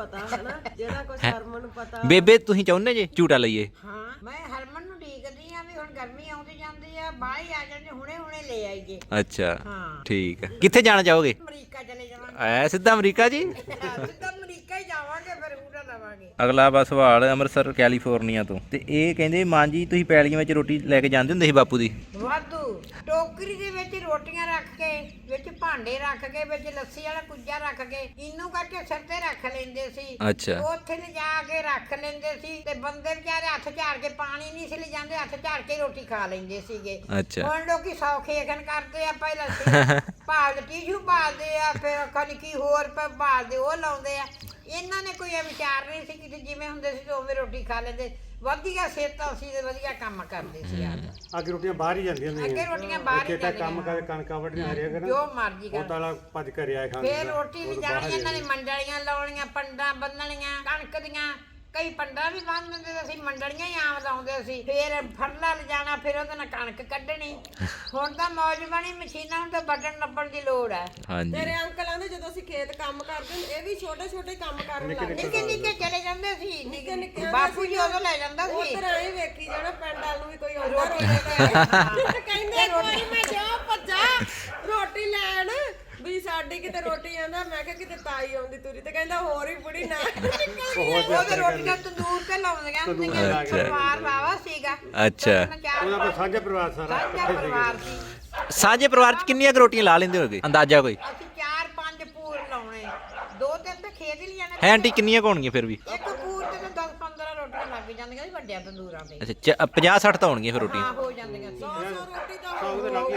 [SPEAKER 3] ਪਤਾ ਹਨਾ, ਜਿਹੜਾ ਕੁਝ ਹਰਮਨ ਨੂੰ ਪਤਾ।
[SPEAKER 2] ਬੇਬੇ ਤੁਸੀਂ ਚਾਹੁੰਦੇ ਜੇ ਝੂਟਾ ਲਈਏ?
[SPEAKER 1] ਹਾਂ ਮੈਂ ਹਰਮਨ ਨੂੰ ਢੀਕਦੀ ਆ ਵੀ ਹੁਣ ਗਰਮੀ ਆਉਂਦੀ ਜਾਂਦੀ ਆ, ਬਾਹਰ ਹੀ ਆ ਜਾਂਦੇ, ਹੁਣੇ ਹੁਣੇ ਲੈ ਆਈਏ।
[SPEAKER 2] ਅੱਛਾ
[SPEAKER 1] ਹਾਂ
[SPEAKER 2] ਠੀਕ ਹੈ। ਕਿੱਥੇ ਜਾਣਾ ਚਾਹੋਗੇ?
[SPEAKER 1] ਅਮਰੀਕਾ ਚਲੇ ਜਾਵਾਂਗੇ।
[SPEAKER 2] ਐ ਸਿੱਧਾ ਅਮਰੀਕਾ ਜੀ?
[SPEAKER 1] ਸਿੱਧਾ ਅਮਰੀਕਾ ਹੀ ਜਾਵਾਂਗੇ, ਫਿਰ ਊੜਾ ਲਵਾਂਗੇ।
[SPEAKER 2] ਅਗਲਾ ਵਾ ਸਵਾਲ ਅੰਮ੍ਰਿਤਸਰ ਕੈਲੀਫੋਰਨੀਆ ਤੋਂ, ਤੇ ਇਹ ਕਹਿੰਦੇ ਮਾਂ ਜੀ ਤੁਸੀਂ ਪੈਲੀਆਂ ਵਿੱਚ ਰੋਟੀ ਲੈ ਕੇ ਜਾਂਦੇ ਹੁੰਦੇ ਸੀ ਬਾਪੂ ਦੀ?
[SPEAKER 1] ਵਾਧੂ ਟੋਕਰੀ ਦੇ ਵਿੱਚ ਰੋਟੀਆਂ ਰੱਖ ਕੇ, ਵਿੱਚ ਭਾਂਡੇ ਰੱਖ ਕੇ, ਵਿੱਚ ਲੱਸੀ ਵਾਲਾ ਕੁੱਜਾ ਰੱਖ ਕੇ, ਇਹਨੂੰ ਕਰਕੇ ਸਿਰ ਤੇ ਰੱਖ ਲੈਂਦੇ ਸੀ।
[SPEAKER 2] ਅੱਛਾ
[SPEAKER 1] ਉੱਥੇ ਲਿਜਾ ਕੇ ਰੱਖ ਲੈਂਦੇ ਸੀ, ਤੇ ਬੰਦੇ ਵਿਚਾਰੇ ਹੱਥ ਝਾੜ ਕੇ, ਪਾਣੀ ਨਹੀਂ ਸੀ ਲਿਜਾਂਦੇ, ਹੱਥ ਝਾੜ ਕੇ ਰੋਟੀ ਖਾ ਲੈਂਦੇ ਸੀਗੇ।
[SPEAKER 2] ਅੱਛਾ
[SPEAKER 1] ਹੁਣ ਲੋਕੀ ਸੌਖੇ ਖਣ ਕਰਦੇ ਆ, ਪਹਿਲਾਂ ਭਾਲ ਟੀਸ਼ੂ ਭਾਲਦੇ ਆ, ਫਿਰ ਖਣ ਕੀ ਹੋਰ ਭਾਲਦੇ ਉਹ ਲਾਉਂਦੇ ਆ। ਇਹਨਾਂ ਨੇ ਕੋਈ ਇਹ ਵਿਚਾਰ ਨਹੀਂ ਸੀ ਕਿ ਜਿਵੇਂ ਹੁੰਦੇ ਸੀ ਉਵੇਂ ਰੋਟੀ ਖਾ ਲੈਂਦੇ। ਵਧੀਆ ਸਿਹਤਾਂ ਸੀ ਤੇ ਵਧੀਆ ਕੰਮ ਕਰਦੇ ਸੀ।
[SPEAKER 4] ਅੱਗੇ ਰੋਟੀਆਂ ਬਾਹਰ ਹੀ ਜਾਂਦੀਆਂ
[SPEAKER 1] ਅੱਗੇ
[SPEAKER 4] ਹੁੰਦੀਆਂ।
[SPEAKER 1] ਰੋਟੀਆਂ ਬਾਹਰ ਹੀ
[SPEAKER 4] ਕਿਤੇ ਕੰਮ
[SPEAKER 1] ਜਾਂਦੀਆਂ,
[SPEAKER 4] ਕਰ ਕਣਕਾਂ ਵੱਢੀਆਂ ਹਰਿਆ ਕਰਨ,
[SPEAKER 1] ਜੋ ਮਰਜ਼ੀ
[SPEAKER 4] ਉਹ
[SPEAKER 1] ਕਰ।
[SPEAKER 4] ਤਾਲਾ ਭੱਜ ਕੇ ਆਇਆ ਖਾਂਦੇ।
[SPEAKER 1] ਫੇਰ ਰੋਟੀ ਵੀ ਜਾਣੀ, ਇਹਨਾਂ ਨੇ ਮੰਡਲੀਆਂ ਲਾਉਣੀਆਂ, ਪੰਡਾਂ ਬੰਨਣੀਆਂ ਕਣਕ ਦੀਆਂ, ਕਈ ਪੰਡਾਂ ਵੀ ਬੰਨ ਦਿੰਦੇ ਸੀ, ਮੰਡਲੀਆਂ ਹੀ ਆਮ ਲਾਉਂਦੇ ਸੀ। ਫੇਰ ਫਰਲਾ ਲਿਜਾਣਾ, ਫਿਰ ਉਹਦੇ ਨਾਲ ਕਣਕ ਕੱਢਣੀ। ਹੁਣ ਤਾਂ ਮੌਜ ਬਣੀ, ਮਸ਼ੀਨਾਂ ਨੂੰ ਤਾਂ ਬਟਨ ਨੱਪਣ ਦੀ ਲੋੜ ਹੈ।
[SPEAKER 2] ਹਾਂਜੀ
[SPEAKER 3] ਤੇਰੇ ਅੰਕਲਾਂ ਦੇ ਜਦੋਂ ਅਸੀਂ ਖੇਤ ਕੰਮ ਕਰਦੇ ਹੁੰਦੇ, ਇਹ ਵੀ ਛੋਟੇ ਛੋਟੇ ਕੰਮ ਕਰਨ ਲੱਗ ਗਏ।
[SPEAKER 1] ਨਿੱਕੇ ਨਿੱਕੇ ਚਲੇ ਜਾਂਦੇ ਸੀ,
[SPEAKER 3] ਨਿੱਕੇ ਨਿੱਕੇ
[SPEAKER 1] ਬਾਪੂ ਜੀ ਉਦੋਂ ਲੈ ਜਾਂਦਾ ਸੀ।
[SPEAKER 3] ਉਧਰ ਆਏ ਵੇਖੀ ਜਾਣਾ, ਪਿੰਡ ਵਾਲ ਨੂੰ ਵੀ ਕੋਈ ਆਉਂਦਾ
[SPEAKER 1] ਰੋਟੀ
[SPEAKER 3] ਰੋਟੀ
[SPEAKER 1] ਲੈ ਕੇ
[SPEAKER 3] ਲੈ ਕਹਿੰਦੇ ਕੋਈ ਮੈਂ ਜਾ ਭੱਜਾ ਰੋਟੀ ਲੈਣ ਵੀ ਸਾਡੀ ਕਿਤੇ ਰੋਟੀ ਆਂਦਾ। ਮੈਂ ਕਿਹਾ ਕਿਤੇ ਤਾਈ ਆਉਂਦੀ ਤੁਰੀ, ਤੇ ਕਹਿੰਦਾ ਹੋਰ ਹੀ ਬੁੜੀ ਨਾ
[SPEAKER 1] ਉਹਦੇ ਰੋਟੀਆਂ ਤੰਦੂਰ ਤੇ ਲਾਉਂਦੀਆਂ ਹੁੰਦੀਆਂ। ਪਰਿਵਾਰ ਵਾਵਾ ਸੀਗਾ।
[SPEAKER 2] ਅੱਛਾ
[SPEAKER 4] ਉਹਦਾ ਕੋਈ ਸਾਂਝਾ ਪਰਿਵਾਰ ਸਾਰਾ
[SPEAKER 1] ਸਾਂਝਾ ਪਰਿਵਾਰ ਸੀ।
[SPEAKER 2] ਸਾਂਝੇ ਪਰਿਵਾਰ 'ਚ ਕਿੰਨੀਆਂ ਕੁ ਰੋਟੀਆਂ ਲਾ ਲੈਂਦੇ ਹੋਗੇ ਅੰਦਾਜ਼ਾ ਕੋਈ?
[SPEAKER 1] ਅਸੀਂ 4-5 ਪੂਰ ਲਾਉਣੇ, 2-3 ਤਾਂ ਖੇਤ ਹੀ ਲਿਆਣੇ।
[SPEAKER 2] ਹੈ ਆਂਟੀ ਕਿੰਨੀਆਂ ਕੁ ਹੋਣਗੀਆਂ ਫਿਰ ਵੀ?
[SPEAKER 1] ਇੱਕ ਪੂਰ ਤੇ ਤਾਂ 10-15 ਰੋਟੀਆਂ ਲੱਗ ਜਾਂਦੀਆਂ ਸੀ ਵੱਡਿਆਂ ਤੰਦੂਰਾਂ ਤੇ।
[SPEAKER 2] ਅੱਛਾ 50-60 ਤਾਂ ਹੋਣਗੀਆਂ ਫਿਰ ਰੋਟੀਆਂ।
[SPEAKER 1] ਹਾਂ ਹੋ ਜਾਂਦੀਆਂ ਸੀ।
[SPEAKER 3] ਰੋਟੀ ਦਾ
[SPEAKER 4] ਉਹਦੇ ਲੱਗ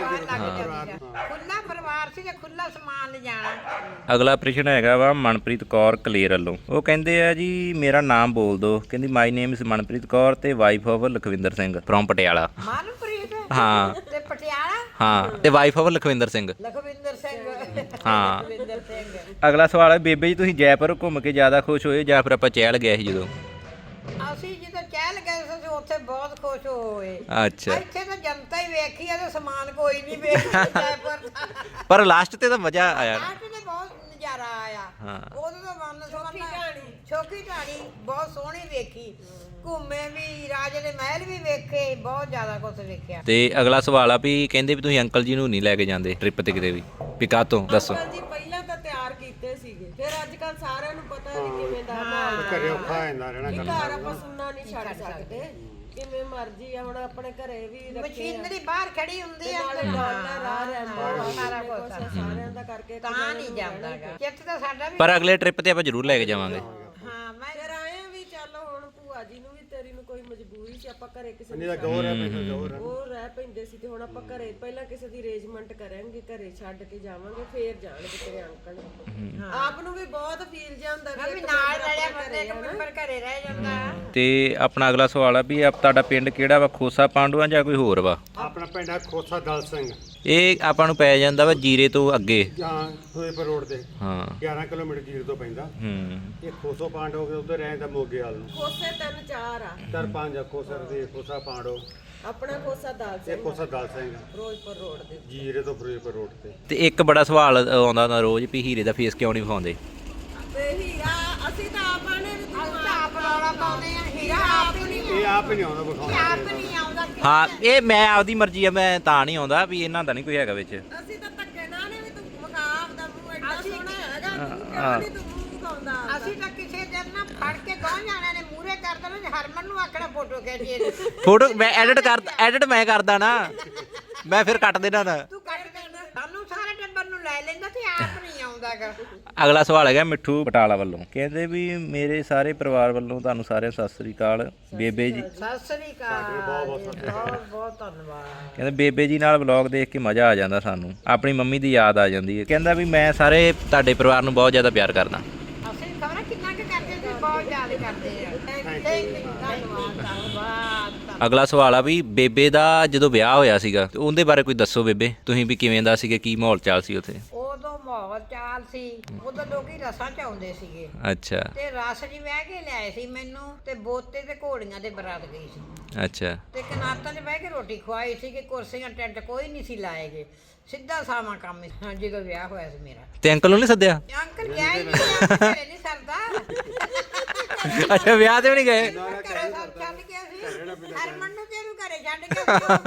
[SPEAKER 1] ਖੁੱਲਾ ਪਰਿਵਾਰ ਸੀ ਤੇ ਖੁੱਲਾ ਸਮਾਨ ਲਿਜਾਣਾ।
[SPEAKER 2] ਅਗਲਾ ਪ੍ਰਸ਼ਨ ਹੈਗਾ ਵਾ ਮਨਪ੍ਰੀਤ ਕੌਰ ਕਲੇਰ ਵੱਲੋਂ। ਉਹ ਕਹਿੰਦੇ ਆ ਜੀ ਮੇਰਾ ਨਾਮ ਬੋਲ ਦਿਓ। ਕਹਿੰਦੀ my name is Manpreet Kaur ਤੇ wife of Lakhwinder Singh from Patiala.
[SPEAKER 1] Manpreet
[SPEAKER 2] ਹਾਂ
[SPEAKER 1] ਤੇ ਪਟਿਆਲਾ,
[SPEAKER 2] ਹਾਂ ਤੇ ਵਾਈਫ ਆਫ ਲਖਵਿੰਦਰ ਸਿੰਘ।
[SPEAKER 1] ਲਖਵਿੰਦਰ ਸਿੰਘ।
[SPEAKER 2] ਹਾਂ
[SPEAKER 1] ਲਖਵਿੰਦਰ ਸਿੰਘ।
[SPEAKER 2] ਅਗਲਾ ਸਵਾਲ ਹੈ ਬੇਬੇ ਜੀ ਤੁਸੀਂ ਜੈਪੁਰ ਘੁੰਮ ਕੇ ਜ਼ਿਆਦਾ ਖੁਸ਼ ਹੋਏ ਜਾਂ ਫਿਰ ਆਪਾਂ ਚਹਿਲ ਗਏ ਸੀ ਜਦੋਂ?
[SPEAKER 1] ਅਸੀਂ ਜਦੋਂ ਚਹਿਲ ਗਏ ਸੀ ਉੱਥੇ ਬਹੁਤ ਖੁਸ਼ ਹੋਏ।
[SPEAKER 2] ਅੱਛਾ
[SPEAKER 1] ਇੱਥੇ ਤਾਂ ਜਨਤਾ ਹੀ ਵੇਖੀ ਆ ਤੇ ਸਮਾਨ ਕੋਈ ਨਹੀਂ ਵੇਖਿਆ ਜੈਪੁਰ ਦਾ।
[SPEAKER 2] ਪਰ ਲਾਸਟ ਤੇ ਤਾਂ ਮਜ਼ਾ ਆਇਆ ਨਾ।
[SPEAKER 1] ਆਹ ਤੇ ਬਹੁਤ ਨਜ਼ਾਰਾ ਆਇਆ।
[SPEAKER 2] ਹਾਂ।
[SPEAKER 1] ਉਦੋਂ ਤਾਂ ਵੰਨ ਛੋਕੀ ਢਾਣੀ ਬਹੁਤ ਸੋਹਣੀ ਵੇਖੀ। ਘੁੰਮੇ ਵੀ, ਰਾਜੇ ਦੇ ਮਹਿਲ ਵੀ ਵੇਖੇ, ਬਹੁਤ ਜ਼ਿਆਦਾ ਕੁਝ ਵੇਖਿਆ।
[SPEAKER 2] ਤੇ ਅਗਲਾ ਸਵਾਲ ਆ ਵੀ ਕਹਿੰਦੇ ਵੀ ਤੁਸੀਂ ਅੰਕਲ ਜੀ ਨੂੰ ਨਹੀਂ ਲੈ ਕੇ ਜਾਂਦੇ ਟ੍ਰਿਪ ਤੇ ਕਿਤੇ ਵੀ ਕਾਹਤੋਂ ਦੱਸੋ?
[SPEAKER 3] ਅੰਕਲ ਜੀ ਪਹਿਲਾਂ ਤਾਂ ਤਿਆਰ ਕੀਤੇ ਸੀਗੇ, ਫਿਰ ਅੱਜ ਕੱਲ ਸਾਰਿਆਂ ਨੂੰ ਪਤਾ ਵੀ ਕਿਵੇਂ ਦਾ ਮਾਹੌਲ
[SPEAKER 4] ਘਰੇ ਔਖਾ ਹੋ ਜਾਂਦਾ ਰਹਿਣਾ
[SPEAKER 3] ਇਹ
[SPEAKER 4] ਕਰਨਾ।
[SPEAKER 3] ਘਰ ਆਪਾਂ ਸੁਣਨਾ ਨਹੀਂ ਛੱਡ ਸਕਦੇ, ਕਿਵੇਂ ਮਰਜ਼ੀ ਆ। ਹੁਣ ਆਪਣੇ ਘਰੇ ਵੀ ਰੱਖੇ ਆ,
[SPEAKER 1] ਮਸ਼ੀਨਰੀ ਬਾਹਰ ਖੜੀ ਹੁੰਦੀ ਆ
[SPEAKER 3] ਨਾਲੇ ਡਾਲਰ ਆ ਰਹਿੰਦਾ
[SPEAKER 1] ਸਾਰਾ ਕੁਝ
[SPEAKER 3] ਸਾਰਿਆਂ ਦਾ ਕਰਕੇ
[SPEAKER 1] ਤਾਂ ਨਹੀਂ ਜਾਂਦਾਗਾ। ਚਿੱਤ ਤਾਂ ਸਾਡਾ ਵੀ।
[SPEAKER 2] ਪਰ ਅਗਲੇ ਟ੍ਰਿਪ ਤੇ ਆਪਾਂ ਜ਼ਰੂਰ ਲੈ ਕੇ ਜਾਵਾਂਗੇ।
[SPEAKER 1] ਹਾਂ ਮੈਂ
[SPEAKER 3] ਫਿਰ ਆਏ ਆ ਵੀ ਚੱਲ ਹੁਣ ਭੂਆ ਜੀ ਨੂੰ ਵੀ ਤੇਰੀ ਨੂੰ ਕੋਈ ਮਜਬੂਰੀ ਸੀ, ਆਪਾਂ ਘਰੇ ਕਿਸੇ
[SPEAKER 4] ਨਹੀਂ ਤਾਂ ਗੌਰ ਹੈ ਪੈਸਾ ਗੌਰ ਹੈ।
[SPEAKER 3] ਉਹ ਰਹਿ ਪੈਂਦੇ ਸੀ, ਤੇ ਹੁਣ ਆਪਾਂ ਘਰੇ ਪਹਿਲਾਂ ਕਿਸੇ ਦੀ ਅਰੇਂਜਮੈਂਟ ਕਰਾਂਗੇ, ਘਰੇ ਛੱਡ ਕੇ ਜਾਵਾਂਗੇ, ਫੇਰ ਜਾਣਗੇ ਤੇਰੇ ਅੰਕਲ। ਆਪ ਨੂੰ ਵੀ ਬਹੁਤ ਫੀਲ ਜਾਂਦਾ
[SPEAKER 1] ਵੀ ਨਾਲ ਰਲਿਆ ਬੰਦੇ ਇੱਕ ਮੈਂਬਰ ਘਰੇ ਰਹਿ ਜਾਂਦਾ।
[SPEAKER 2] ਤੇ ਆਪਣਾ ਅਗਲਾ ਸਵਾਲ ਆ ਵੀ ਤੁਹਾਡਾ ਪਿੰਡ ਕਿਹੜਾ ਵਾ? ਖੋਸਾ ਪਾਂਡੂਆਂ ਜਾਂ ਕੋਈ ਹੋਰ ਵਾ?
[SPEAKER 4] ਆਪਣਾ ਪਿੰਡ ਹੈ ਖੋਸਾ ਦਲ ਸਿੰਘ,
[SPEAKER 2] ਇਹ ਆਪਾਂ ਨੂੰ ਪੈ ਜਾਂਦਾ ਵਾ ਜੀਰੇ ਤੋਂ ਅੱਗੇ।
[SPEAKER 4] ਜਾਂ ਹੋਏਪੁਰ ਰੋਡ ਤੇ
[SPEAKER 2] ਹਾਂ
[SPEAKER 4] 11 ਕਿਲੋਮੀਟਰ ਜੀਰ ਤੋਂ ਪੈਂਦਾ।
[SPEAKER 2] ਹੂੰ
[SPEAKER 4] ਇਹ ਖੋਸੋ ਪਾਂਡੋ ਕੇ ਉੱਧਰ ਰਹਿੰਦਾ ਮੋਗੇ ਵਾਲ ਨੂੰ।
[SPEAKER 3] ਖੋਸੇ 3-4 ਆ।
[SPEAKER 4] 4-5 ਆ ਖੋਸਾ ਤੇ ਖੋਸਾ ਪਾਂਡੋ,
[SPEAKER 3] ਆਪਣਾ ਖੋਸਾ ਦਾਲ
[SPEAKER 4] ਇਹ ਖੋਸਾ ਦਲ ਸਿੰਘ
[SPEAKER 3] ਫਿਰੋਜ਼ਪੁਰ ਰੋਡ ਦੇ।
[SPEAKER 4] ਜੀਰੇ ਤੋਂ ਫਿਰੋਜ਼ਪੁਰ ਰੋਡ ਤੇ।
[SPEAKER 2] ਤੇ ਇੱਕ ਬੜਾ ਸਵਾਲ ਆਉਂਦਾ ਹੁੰਦਾ ਰੋਜ਼ ਵੀ ਹੀਰੇ ਦਾ ਫੇਸ ਕਿਉਂ ਨਹੀਂ ਵਿਖਾਉਂਦੇ?
[SPEAKER 3] ਤੇ ਹੀਰਾ ਅਸੀਂ ਤਾਂ ਆਪਾਂ ਨੇ ਵੀ
[SPEAKER 1] ਅਸੀਂ ਤਾਂ ਆਪ ਰੌਲਾ ਪਾਉਂਦੇ ਆ। ਹੀਰਾ ਆਪ ਹੀ ਨਹੀਂ,
[SPEAKER 4] ਇਹ ਆਪ ਹੀ ਨਹੀਂ ਆਉਂਦਾ ਵਿਖਾਉਣਾ।
[SPEAKER 1] ਆਪ ਨਹੀਂ ਆਉਂਦਾ।
[SPEAKER 2] ਹਾਂ ਇਹ ਮੈਂ ਆਪਦੀ ਮਰਜ਼ੀ ਆ, ਮੈਂ ਤਾਂ ਨਹੀਂ ਆਉਂਦਾ ਵੀ ਇਹਨਾਂ ਦਾ ਨਹੀਂ ਕੋਈ ਹੈਗਾ ਵਿੱਚ।
[SPEAKER 3] ਅਸੀਂ ਤਾਂ ਧੱਕੇ ਨਾਲ ਨੇ ਵੀ ਤੂੰ ਵਿਖਾ ਆਪਦਾ ਮੂੰਹ ਐਡਾ ਸੋਹਣਾ ਹੈਗਾ, ਤੂੰ ਕਿਉਂ ਨਹੀਂ ਤੂੰ ਮੂੰਹ ਵਿਖਾਉਂਦਾ?
[SPEAKER 1] ਅਸੀਂ ਤਾਂ ਕਿਸੇ ਦਿਨ ਨਾ ਫੜ ਕੇ ਦੋ ਜਾਣਿਆਂ ਨੇ ਮੂਹਰੇ ਕਰ ਦੇਣਾ, ਹਰਮਨ ਨੂੰ ਆਖਣਾ ਫੋਟੋ ਖਿੱਚੀਏ।
[SPEAKER 2] ਫੋਟੋ ਮੈਂ ਐਡਿਟ ਮੈਂ ਕਰਦਾ ਨਾ, ਮੈਂ ਫਿਰ ਕੱਟ ਦੇਣਾ ਨਾ।
[SPEAKER 1] ਤੂੰ ਕੱਟ ਦੇਣਾ, ਸਾਨੂੰ ਸਾਰੇ ਟੱਬਰ ਨੂੰ ਲੈ ਲੈਂਦਾ ਤੇ ਆਪ ਨਹੀਂ ਆਉਂਦਾਗਾ।
[SPEAKER 2] ਅਗਲਾ ਸਵਾਲ ਹੈਗਾ ਮਿੱਠੂ ਬਟਾਲਾ ਵੱਲੋਂ। ਕਹਿੰਦੇ ਵੀ ਮੇਰੇ ਸਾਰੇ ਪਰਿਵਾਰ ਵੱਲੋਂ ਤੁਹਾਨੂੰ ਸਾਰਿਆਂ ਨੂੰ ਸਤਿ ਸ੍ਰੀ ਅਕਾਲ। ਬੇਬੇ ਜੀ
[SPEAKER 1] ਸਤਿ ਸ੍ਰੀ ਅਕਾਲ, ਬਹੁਤ ਬਹੁਤ ਧੰਨਵਾਦ।
[SPEAKER 2] ਕਹਿੰਦੇ ਬੇਬੇ ਜੀ ਨਾਲ ਵਲੌਗ ਦੇਖ ਕੇ ਮਜ਼ਾ ਆ ਜਾਂਦਾ ਸਾਨੂੰ, ਆਪਣੀ ਮੰਮੀ ਦੀ ਯਾਦ ਆ ਜਾਂਦੀ ਹੈ। ਕਹਿੰਦਾ ਵੀ ਮੈਂ ਸਾਰੇ ਤੁਹਾਡੇ ਪਰਿਵਾਰ ਨੂੰ ਬਹੁਤ ਜ਼ਿਆਦਾ ਪਿਆਰ ਕਰਦਾ।
[SPEAKER 1] ਅਸੀਂ ਖਬਰ ਕਿੰਨਾ ਕੁ ਕਰਦੇ ਸੀ, ਬਹੁਤ ਜ਼ਿਆਦਾ ਕਰਦੇ ਆ। ਧੰਨਵਾਦ ਧੰਨਵਾਦ।
[SPEAKER 2] ਅਗਲਾ ਸਵਾਲ ਆ ਵੀ ਬੇਬੇ ਦਾ ਜਦੋਂ ਵਿਆਹ ਹੋਇਆ ਸੀਗਾ ਤੇ ਉਹਦੇ ਬਾਰੇ ਕੋਈ ਦੱਸੋ ਬੇਬੇ, ਤੁਸੀਂ ਵੀ ਕਿਵੇਂ ਦਾ ਸੀਗਾ, ਕੀ ਮਾਹੌਲ ਚਾਲ ਸੀ ਉੱਥੇ?
[SPEAKER 1] ਉਦੋਂ ਮਾਹੌਲ ਚਾਲ ਸੀ ਉਦੋਂ ਲੋਕੀ ਰਸਾਂ ਚ ਆਉਂਦੇ ਸੀਗੇ
[SPEAKER 2] ਅੱਛਾ
[SPEAKER 1] ਤੇ ਰਸ ਜੀ ਵਹਿ ਕੇ ਲਿਆਏ ਸੀ ਮੈਨੂੰ ਤੇ ਬੋਤੇ ਤੇ ਘੋੜੀਆਂ ਦੇ ਬਰਾਤ ਗਈ ਸੀ
[SPEAKER 2] ਅੱਛਾ
[SPEAKER 1] ਤੇ ਕਨਾਤਾਂ 'ਚ ਬਹਿ ਕੇ ਰੋਟੀ ਖਵਾਈ ਸੀ ਕਿ ਕੁਰਸੀਆਂ ਟੈਂਟ ਕੋਈ ਨਹੀਂ ਸੀ ਲਾਏਗੇ ਸਿੱਧਾ ਸਾਵਾਂ ਕੰਮ ਸੀ ਜਦੋਂ ਵਿਆਹ ਹੋਇਆ ਸੀ ਮੇਰਾ
[SPEAKER 2] ਤੇ ਅੰਕਲ ਨੂੰ ਨਹੀਂ ਸੱਦਿਆ
[SPEAKER 1] ਅੰਕਲ ਗਿਆ ਹੀ ਨਹੀਂ ਘਰੇ ਨਹੀਂ ਸਰਦਾ
[SPEAKER 2] ਅੱਛਾ ਵਿਆਹ ਤੇ ਵੀ ਨਹੀਂ ਗਏ
[SPEAKER 1] ਘਰੇ ਛੱਡ ਕੇ ਅਸੀਂ ਹਰਮਨ ਨੂੰ ਤੇਨੂੰ ਘਰੇ ਛੱਡ ਕੇ